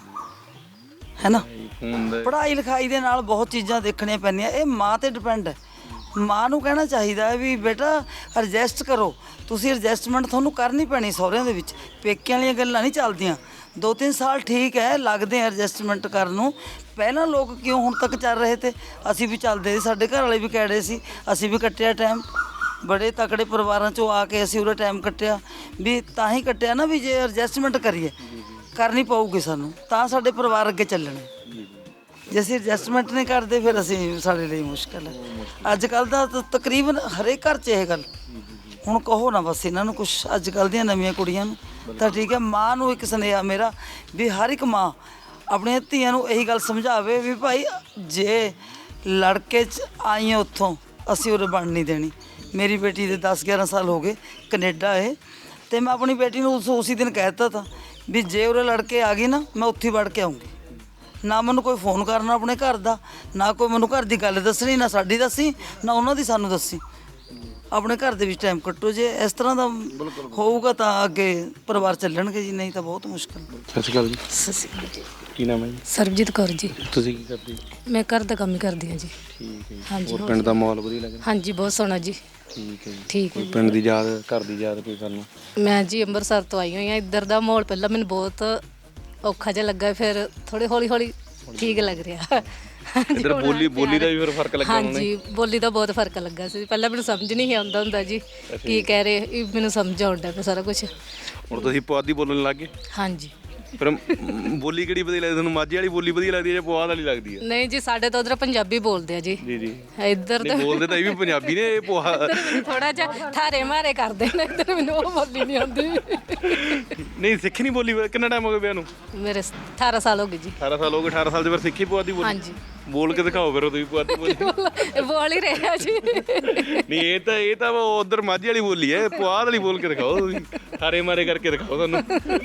ਹੈ ਨਾ। ਪੜ੍ਹਾਈ ਲਿਖਾਈ ਦੇ ਨਾਲ ਬਹੁਤ ਚੀਜ਼ਾਂ ਦੇਖਣੀਆਂ ਪੈਂਦੀਆਂ, ਇਹ ਮਾਂ ਤੇ ਡਿਪੈਂਡ ਹੈ। ਮਾਂ ਨੂੰ ਕਹਿਣਾ ਚਾਹੀਦਾ ਹੈ ਵੀ ਬੇਟਾ ਐਡਜਸਟ ਕਰੋ, ਤੁਸੀਂ ਐਡਜਸਟਮੈਂਟ ਤੁਹਾਨੂੰ ਕਰਨੀ ਪੈਣੀ ਸਹੁਰਿਆਂ ਦੇ ਵਿੱਚ, ਪੇਕਿਆਂ ਵਾਲੀਆਂ ਗੱਲਾਂ ਨਹੀਂ ਚੱਲਦੀਆਂ। 2-3 ਸਾਲ ਠੀਕ ਹੈ, ਲੱਗਦੇ ਐਡਜਸਟਮੈਂਟ ਕਰਨ ਨੂੰ। ਪਹਿਲਾਂ ਲੋਕ ਕਿਉਂ ਹੁਣ ਤੱਕ ਚੱਲ ਰਹੇ ਤੇ, ਅਸੀਂ ਵੀ ਚੱਲਦੇ ਸੀ, ਸਾਡੇ ਘਰ ਵਾਲੇ ਵੀ ਕਹਿੜੇ ਸੀ, ਅਸੀਂ ਵੀ ਕੱਟਿਆ ਟਾਈਮ, ਬੜੇ ਤਕੜੇ ਪਰਿਵਾਰਾਂ 'ਚੋਂ ਆ ਕੇ ਅਸੀਂ ਉਰੇ ਟਾਈਮ ਕੱਟਿਆ, ਵੀ ਤਾਂ ਹੀ ਕੱਟਿਆ ਨਾ ਵੀ ਜੇ ਐਡਜਸਟਮੈਂਟ ਕਰੀਏ, ਕਰਨੀ ਪਊਗੀ ਸਾਨੂੰ, ਤਾਂ ਸਾਡੇ ਪਰਿਵਾਰ ਅੱਗੇ ਚੱਲਣੇ। ਜੇ ਅਸੀਂ ਐਡਜਸਟਮੈਂਟ ਨਹੀਂ ਕਰਦੇ ਫਿਰ ਅਸੀਂ, ਸਾਡੇ ਲਈ ਮੁਸ਼ਕਿਲ ਹੈ। ਅੱਜ ਕੱਲ੍ਹ ਦਾ ਤਕਰੀਬਨ ਹਰੇਕ ਘਰ 'ਚ ਇਹ ਗੱਲ, ਹੁਣ ਕਹੋ ਨਾ ਬਸ ਇਹਨਾਂ ਨੂੰ ਕੁਛ, ਅੱਜ ਕੱਲ੍ਹ ਦੀਆਂ ਨਵੀਆਂ ਕੁੜੀਆਂ ਨੂੰ ਤਾਂ ਠੀਕ ਹੈ। ਮਾਂ ਨੂੰ ਇੱਕ ਸੁਨੇਹਾ ਮੇਰਾ ਵੀ ਹਰ ਇੱਕ ਮਾਂ ਆਪਣੀਆਂ ਧੀਆਂ ਨੂੰ ਇਹੀ ਗੱਲ ਸਮਝਾਵੇ ਵੀ ਭਾਈ ਜੇ ਲੜਕੇ 'ਚ ਆਈ ਹਾਂ ਉੱਥੋਂ, ਅਸੀਂ ਉਰੇ ਬਣ ਨਹੀਂ ਦੇਣੀ। ਮੇਰੀ ਬੇਟੀ ਦੇ 10-11 ਸਾਲ ਹੋ ਗਏ ਕੈਨੇਡਾ ਹੈ, ਅਤੇ ਮੈਂ ਆਪਣੀ ਬੇਟੀ ਨੂੰ ਉਸੇ ਦਿਨ ਕਹਿ ਦਿੱਤਾ ਤਾ ਵੀ ਜੇ ਉਰੇ ਲੜਕੇ ਆ ਗਈ ਨਾ, ਮੈਂ ਉੱਥੇ ਵੜ ਕੇ ਆਊਂਗੀ। ਨਾ ਮੈਨੂੰ ਕੋਈ ਫੋਨ ਕਰਨਾ ਆਪਣੇ ਘਰ ਦਾ, ਨਾ ਕੋਈ ਮੈਨੂੰ ਘਰ ਦੀ ਗੱਲ ਦੱਸਣੀ, ਨਾ ਸਾਡੀ ਦੱਸੀ, ਨਾ ਉਹਨਾਂ ਦੀ ਸਾਨੂੰ ਦੱਸੀ। ਆਪਣੇ ਘਰ ਦੇ ਵਿੱਚ ਟਾਈਮ ਕੱਟੋ, ਜੇ ਇਸ ਤਰ੍ਹਾਂ ਦਾ ਹੋਊਗਾ ਤਾਂ ਅੱਗੇ ਪਰਿਵਾਰ ਚੱਲਣਗੇ ਜੀ, ਨਹੀਂ ਤਾਂ ਬਹੁਤ ਮੁਸ਼ਕਿਲ।
ਸਤਿ ਸ਼੍ਰੀ ਅਕਾਲ ਜੀ।
ਸਤਿ ਸ਼੍ਰੀ ਅਕਾਲ।
ਕੀ ਨਾਮ ਹੈ ਜੀ?
ਸਰਬਜੀਤ ਕੌਰ ਜੀ।
ਤੁਸੀਂ ਕੀ ਕਰਦੇ?
ਮੈਂ ਘਰ ਦਾ ਕੰਮ ਹੀ ਕਰਦੀ ਹਾਂ ਜੀ।
ਠੀਕ ਹੈ ਜੀ।
ਹਾਂਜੀ,
ਹੋਰ ਪਿੰਡ ਦਾ ਮਾਹੌਲ ਵਧੀਆ ਲੱਗ ਰਿਹਾ?
ਹਾਂਜੀ ਬਹੁਤ ਸੋਹਣਾ ਜੀ।
ਠੀਕ ਹੈ ਜੀ।
ਠੀਕ ਹੈ
ਕੋਈ ਪਿੰਡ ਦੀ ਯਾਦ, ਘਰ ਦੀ ਯਾਦ ਕੋਈ ਕਰਨਾ?
ਮੈਂ ਜੀ ਅੰਮ੍ਰਿਤਸਰ ਤੋਂ ਆਈ ਹੋਈ ਹਾਂ। ਇੱਧਰ ਦਾ ਮਾਹੌਲ ਪਹਿਲਾਂ ਮੈਨੂੰ ਬਹੁਤ ਔਖਾ ਜਿਹਾ ਲੱਗਾ, ਫਿਰ ਥੋੜੇ ਹੌਲੀ ਹੌਲੀ ਠੀਕ ਲੱਗ ਰਿਹਾ।
ਇੱਧਰ ਬੋਲੀ ਦਾ ਵੀ ਫਿਰ ਫਰਕ ਲੱਗਾ ਹੋਣਾ?
ਹਾਂਜੀ ਬੋਲੀ ਦਾ ਬਹੁਤ ਫਰਕ ਲੱਗਾ ਸੀ। ਪਹਿਲਾਂ ਮੈਨੂੰ ਸਮਝ ਨਹੀਂ ਆਉਂਦਾ ਹੁੰਦਾ ਜੀ ਕੀ ਕਹਿ ਰਹੇ, ਇਹ ਮੈਨੂੰ ਸਮਝ ਆਉਂਦਾ ਪਿਆ ਸਾਰਾ ਕੁਝ।
ਹੁਣ ਤੁਸੀਂ ਪੁਆਧੀ ਬੋਲਣ ਲੱਗ ਗਏ?
ਹਾਂਜੀ।
ਫਿਰ ਬੋਲੀ ਕਿਹੜੀ ਵਧੀਆ ਲੱਗਦੀ ਤੁਹਾਨੂੰ? ਮਾਝੇ ਵਾਲੀ ਬੋਲੀ ਵਧੀਆ ਲੱਗਦੀ ਹੈ ਜਾਂ ਪੁਆਧ ਵਾਲੀ ਲੱਗਦੀ ਹੈ?
ਨਹੀਂ ਜੀ, ਸਾਡੇ ਤਾਂ ਉਧਰ ਪੰਜਾਬੀ ਬੋਲਦੇ ਆ ਜੀ।
ਜੀ ਜੀ।
ਇੱਧਰ ਤਾਂ
ਬੋਲਦੇ ਤਾਂ ਇਹ ਵੀ ਪੰਜਾਬੀ ਨੇ, ਇਹ ਪੁਆਧ
ਥੋੜਾ ਜਿਹਾ ਠਾਰੇ ਮਾਰੇ ਕਰਦੇ ਨੇ। ਇੱਧਰ ਮੈਨੂੰ ਉਹ ਬੋਲੀ ਨਹੀਂ ਆਉਂਦੀ।
ਨਹੀਂ ਸਿੱਖੀ ਨਹੀਂ ਬੋਲੀ? ਕਿੰਨਾ ਟਾਈਮ ਹੋ ਗਿਆ ਵਿਆਹ ਨੂੰ?
ਮੇਰੇ 18 ਸਾਲ ਹੋ ਗਏ ਜੀ।
18 ਸਾਲ ਹੋ ਗਏ। 18 ਸਾਲ ਦੇ ਫਿਰ ਸਿੱਖੀ ਪੁਆਧੀ ਬੋਲੀ?
ਹਾਂਜੀ।
ਬੋਲ ਕੇ ਦਿਖਾਓ ਫਿਰ ਤੁਸੀਂ ਪੁਆਧੀ ਬੋਲੀ।
ਬੋਲ ਹੀ ਰਿਹਾ ਜੀ।
ਨਹੀਂ ਇਹ ਤਾਂ ਉਧਰ ਮਾਝੇ ਵਾਲੀ ਬੋਲੀ ਹੈ, ਪੁਆਧ ਵਾਲੀ ਬੋਲ ਕੇ ਦਿਖਾਓ ਤੁਸੀਂ, ਠਾਰੇ ਮਾਰੇ ਕਰਕੇ ਦਿਖਾਓ ਤੁਹਾਨੂੰ।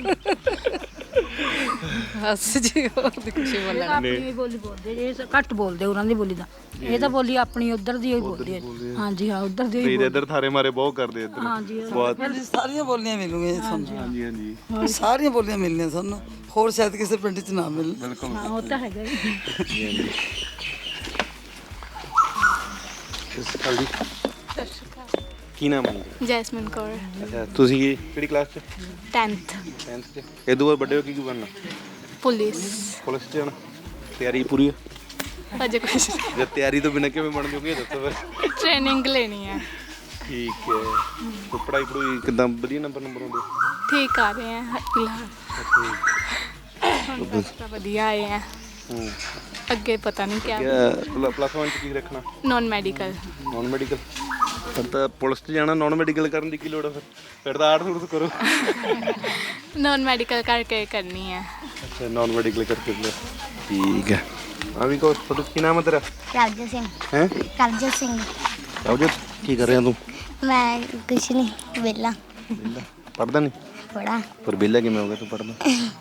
ਬਸ ਜੀ ਹੋਰ ਦੀ ਖੁਸ਼ੀ ਬੋਲਣਾ।
ਆਪਣੀ ਬੋਲੀ ਬੋਲਦੇ, ਇਹ ਘੱਟ ਬੋਲਦੇ ਉਹਨਾਂ ਦੀ ਬੋਲੀ ਦਾ। ਇਹ ਤਾਂ ਬੋਲੀ ਆਪਣੀ ਉਧਰ ਦੀ ਹੀ ਬੋਲਦੇ ਆ। ਹਾਂਜੀ ਹਾਂ, ਉਧਰ ਦੀ ਹੀ।
ਇੱਧਰ ਠਾਰੇ ਮਾਰੇ ਬਹੁਤ ਕਰਦੇ ਇੱਧਰ।
ਹਾਂਜੀ
ਸਾਰੀਆਂ ਬੋਲੀਆਂ ਮਿਲੂਗੀਆਂ ਤੁਹਾਨੂੰ।
ਹਾਂਜੀ ਹਾਂਜੀ।
ਸਾਰੀਆਂ ਬੋਲੀਆਂ ਮਿਲਣੀਆਂ ਤੁਹਾਨੂੰ, ਹੋਰ ਸ਼ਾਇਦ ਕਿਸੇ ਪਿੰਡ 'ਚ ਨਾ ਮਿਲਣ।
ਬਿਲਕੁਲ।
ਹਾਂ ਉਹ ਤਾਂ ਹੈਗਾ ਜੀ।
ਕੀ ਨਾਮ ਹੈ?
ਜੈਸਮਿਨ ਕੌਰ।
ਅੱਛਾ ਤੁਸੀਂ ਕਿਹੜੀ ਕਲਾਸ 'ਚ?
10th
10th 'ਚ। ਇਹ ਤੋਂ ਬਾਅਦ ਵੱਡੇ ਹੋ ਕੇ ਕੀ ਬਣਨਾ?
ਪੁਲਿਸ।
ਪੁਲਿਸ 'ਚ ਜਾਣਾ? ਤਿਆਰੀ ਪੂਰੀ ਹੈ?
ਅਜੇ ਕੁਛ
ਜੇ ਤਿਆਰੀ ਤੋਂ ਬਿਨਾਂ ਕਿਵੇਂ ਬਣ ਜੋਗੇ ਦੱਸੋ ਫਿਰ।
ਟ੍ਰੇਨਿੰਗ ਲੈਣੀ ਹੈ।
ਠੀਕ ਹੈ। ਤੇ ਪੜ੍ਹਾਈ ਕਿੱਦਾਂ? ਵਧੀਆ ਨੰਬਰ ਆਉਂਦੇ?
ਠੀਕ ਆ ਰਹੇ हैं फिलहाल। बस ਵਧੀਆ ਆਏ हैं। ਅੱਗੇ ਪਤਾ ਨਹੀਂ ਕਿਆ।
ਪਲੱਸ 1 'ਚ ਕੀ ਰੱਖਣਾ?
Non medical.
Non medical? ਫਿਰ ਤਾਂ ਪੁਲਿਸ 'ਚ ਜਾਣਾ, ਨੌਨ ਮੈਡੀਕਲ ਕਰਨ ਦੀ ਕੀ ਲੋੜ ਹੈ ਫਿਰ ਤਾਂ ਆਰਟਸ ਉਰਟਸ ਕਰੋ।
ਨੌਨ ਮੈਡੀਕਲ ਕਰਕੇ ਕਰਨੀ ਹੈ।
ਅੱਛਾ ਨੌਨ ਮੈਡੀਕਲ ਕਰਕੇ ਲਓ। ਠੀਕ ਹੈ। ਆ ਵੀ ਕੋ ਤੁਹਾਡਾ ਕੀ ਨਾਮ ਹੈ ਤੇਰਾ?
ਕਰਜਨ ਸਿੰਘ।
ਹੈ?
ਕਰਜਨ ਸਿੰਘ।
ਰਾਜੂ ਕੀ ਕਰ ਰਿਹਾ ਤੂੰ?
ਮੈਂ ਕੁਛ ਨਹੀਂ, ਵਿਹਲਾ।
ਵਿਹਲਾ? ਪੜ੍ਹਦਾ ਨਹੀਂ?
ਪੜਾ।
ਪਰ ਵਿਹਲਾ ਕਿਵੇਂ ਹੋ ਗਿਆ ਤੂੰ ਪੜ੍ਹਦਾ?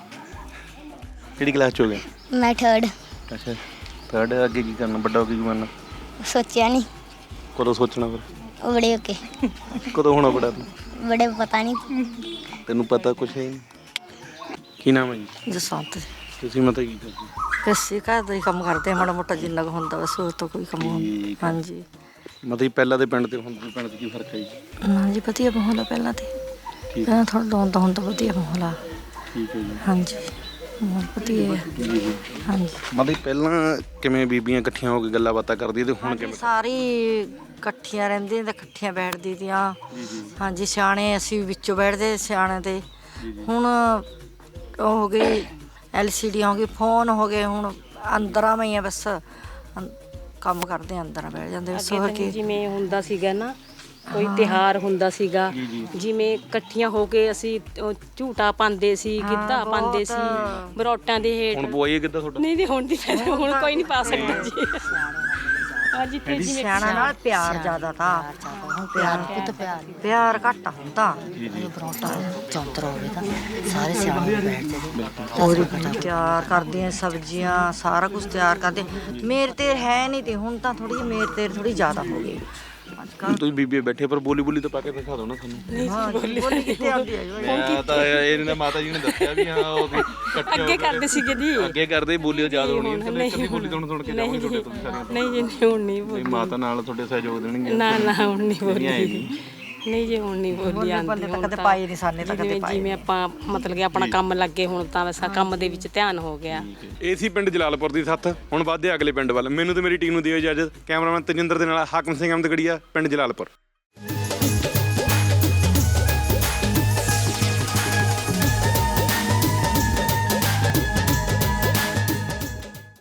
ਕਿਹੜੀ ਕਲਾਸ 'ਚ ਹੋ ਗਿਆ?
ਮੈਂ 3rd।
ਅੱਛਾ 3rd। ਅੱਗੇ ਕੀ ਕਰਨਾ? ਵੱਡਾ ਹੋ ਕੇ ਕੀ ਬਣਨਾ?
ਸੋਚਿਆ ਨਹੀਂ।
ਕਦੋਂ ਸੋਚਣਾ ਫਿਰ?
ਬੜੇ ਹੋ ਕੇ।
ਕਦੋਂ ਹੋਣਾ ਬੜਾ ਤੂੰ?
ਬੜੇ ਪਤਾ ਨਹੀਂ।
ਤੈਨੂੰ ਪਤਾ ਕੁਛ ਹੈ ਨਹੀਂ। ਕੀ ਨਾਮ ਹੈ ਜੀ?
ਜਸਵੰਤ।
ਤੁਸੀਂ ਮਤਲਬ ਕੀ ਕਰਦੇ?
ਅਸੀਂ ਘਰ ਦਾ ਹੀ ਕੰਮ ਕਰਦੇ, ਮਾੜਾ ਮੋਟਾ ਜਿੰਨਾ ਕੁ ਹੁੰਦਾ ਬਸ, ਹੋਰ ਤਾਂ ਕੋਈ ਕੰਮ ਹੁੰਦਾ। ਹਾਂਜੀ।
ਮਤਲਬ ਪਹਿਲਾਂ ਦੇ ਪਿੰਡ ਤੇ ਹੁਣ ਦੇ ਪਿੰਡ 'ਚ ਕੀ ਫਰਕ ਹੈ ਜੀ?
ਹਾਂਜੀ ਵਧੀਆ ਮਾਹੌਲ ਆ ਪਹਿਲਾਂ ਤੇ।
ਠੀਕ
ਪਹਿਲਾਂ ਥੋੜਾ ਡਾਊਨ ਤਾਂ ਹੁਣ ਤਾਂ ਵਧੀਆ ਮਾਹੌਲ ਆ।
ਠੀਕ ਹੈ ਜੀ।
ਹਾਂਜੀ ਮਾਹੌਲ ਵਧੀਆ ਹੈ। ਹਾਂਜੀ।
ਮਤਲਬ ਪਹਿਲਾਂ ਕਿਵੇਂ ਬੀਬੀਆਂ ਇਕੱਠੀਆਂ ਹੋ ਕੇ ਗੱਲਾਂ ਬਾਤਾਂ ਕਰਦੀਆਂ ਤੇ ਹੁਣ ਕਿਵੇਂ?
ਸਾਰੀ ਇਕੱਠੀਆਂ ਰਹਿੰਦੀਆਂ ਤੇ ਇਕੱਠੀਆਂ ਬੈਠਦੀ ਦੀਆਂ। ਹਾਂਜੀ ਸਿਆਣੇ ਅਸੀਂ ਵਿੱਚੋਂ ਬੈਠਦੇ ਸਿਆਣੇ ਤੇ। ਹੁਣ ਉਹ ਹੋ ਗਈ LCD ਹੋ ਗਈ, ਫੋਨ ਹੋ ਗਏ, ਹੁਣ ਅੰਦਰਾਂ ਮੈਂ ਹੀ ਆ ਬਸ ਕੰਮ ਕਰਦੇ ਅੰਦਰ ਬੈਠ ਜਾਂਦੇ।
ਅੱਗੇ ਜਿਵੇਂ ਹੁੰਦਾ ਸੀਗਾ ਨਾ, ਕੋਈ ਤਿਉਹਾਰ ਹੁੰਦਾ ਸੀਗਾ, ਜਿਵੇਂ ਇਕੱਠੀਆਂ ਹੋ ਕੇ ਅਸੀਂ ਝੂਟਾ ਪਾਉਂਦੇ ਸੀ, ਗਿੱਧਾ ਪਾਉਂਦੇ ਸੀ, ਬਰੋਟਾਂ ਦੇ ਹੇਠ।
ਹੁਣ ਪਵਾਈਏ ਕਿੱਦਾਂ ਤੁਹਾਡਾ?
ਨਹੀਂ ਹੁਣ ਦੀ ਹੁਣ ਕੋਈ ਨਹੀਂ ਪਾ ਸਕਦਾ ਜੀ। ਜਿੱਥੇ ਜਿਵੇਂ
ਸਿਆਣਾ ਨਾਲ ਪਿਆਰ ਜ਼ਿਆਦਾ ਤਾਂ ਹੁਣ ਪਿਆਰ ਘੱਟ ਹੁੰਦਾ। ਚੌਂਤਰਾ ਹੋਵੇ ਤਾਂ ਸਾਰੇ ਸਿਆਣੇ ਬੈਠ ਜਾਂਦੇ। ਹੋਰ ਤਿਆਰ ਕਰਦੇ ਆ ਸਬਜ਼ੀਆਂ, ਸਾਰਾ ਕੁਝ ਤਿਆਰ ਕਰਦੇ। ਮੇਰ ਤੇਰ ਹੈ ਨਹੀਂ ਤੇ ਹੁਣ ਤਾਂ ਥੋੜੀ ਜਿਹੀ ਮੇਰ ਤੇਰ ਥੋੜੀ ਜ਼ਿਆਦਾ ਹੋ ਗਈ।
ਤੁਸੀਂ ਬੀਬੀ ਬੈਠੇ ਪਰ ਬੋਲੀ ਤਾਂ ਪਾ ਕੇ ਦਿਖਾ ਦਿਓ ਨਾ ਸਾਨੂੰ।
ਬੋਲੀ ਕਿੱਥੇ ਆਉਂਦੀ ਹੈ?
ਮੈਂ ਤਾਂ ਇਹਨਾਂ ਮਾਤਾ ਜੀ ਨੇ ਦੱਸਿਆ ਵੀ ਹਾਂ ਉਹ
ਅੱਗੇ ਕਰਦੇ ਸੀਗੇ ਜੀ।
ਅੱਗੇ ਕਰਦੇ ਬੋਲੀ ਯਾਦ ਹੋਣੀ। ਕਦੀ ਬੋਲੀ ਸੁਣ ਕੇ ਜਾਵਾਂਗੇ ਤੁਹਾਡੇ ਤੋਂ ਸਾਰੀਆਂ।
ਨਹੀਂ ਜੀ ਹੁਣ ਨਹੀਂ ਬੋਲੀ।
ਮਾਤਾ ਨਾਲ ਤੁਹਾਡੇ ਸਹਿਯੋਗ ਦੇਣਗੇ।
ਨਾ ਹੁਣ ਨਹੀਂ ਬੋਲੀ। ਨਹੀਂ ਜੀ ਹੁਣ ਨਹੀਂ ਬੋਲੀ ਆਉਂਦੀ।
ਤਾਂ ਕਦੇ ਪਾਈ ਨਹੀਂ ਸਾਨੇ ਤਾਂ ਕਦੇ ਪਾਈ।
ਜਿਵੇਂ ਆਪਾਂ ਮਤਲਬ ਕਿ ਆਪਣਾ ਕੰਮ ਲੱਗੇ ਹੁਣ ਤਾਂ ਵੈਸਾ ਕੰਮ ਦੇ ਵਿੱਚ ਧਿਆਨ ਹੋ ਗਿਆ।
ਇਹ ਸੀ ਪਿੰਡ ਜਲਾਲਪੁਰ ਦੀ ਸੱਥ। ਹੁਣ ਵੱਧਦੇ ਅਗਲੇ ਪਿੰਡ ਵੱਲ। ਮੈਨੂੰ ਤੇ ਮੇਰੀ ਟੀਮ ਨੂੰ ਦਿਓ ਇਜਾਜ਼ਤ। ਕੈਮਰਾਮੈਨ ਤਜਿੰਦਰ ਦੇ ਨਾਲ ਹਾਕਮ ਸਿੰਘ ਅਹਿਮਦਗੜੀਆ, ਪਿੰਡ ਜਲਾਲਪੁਰ।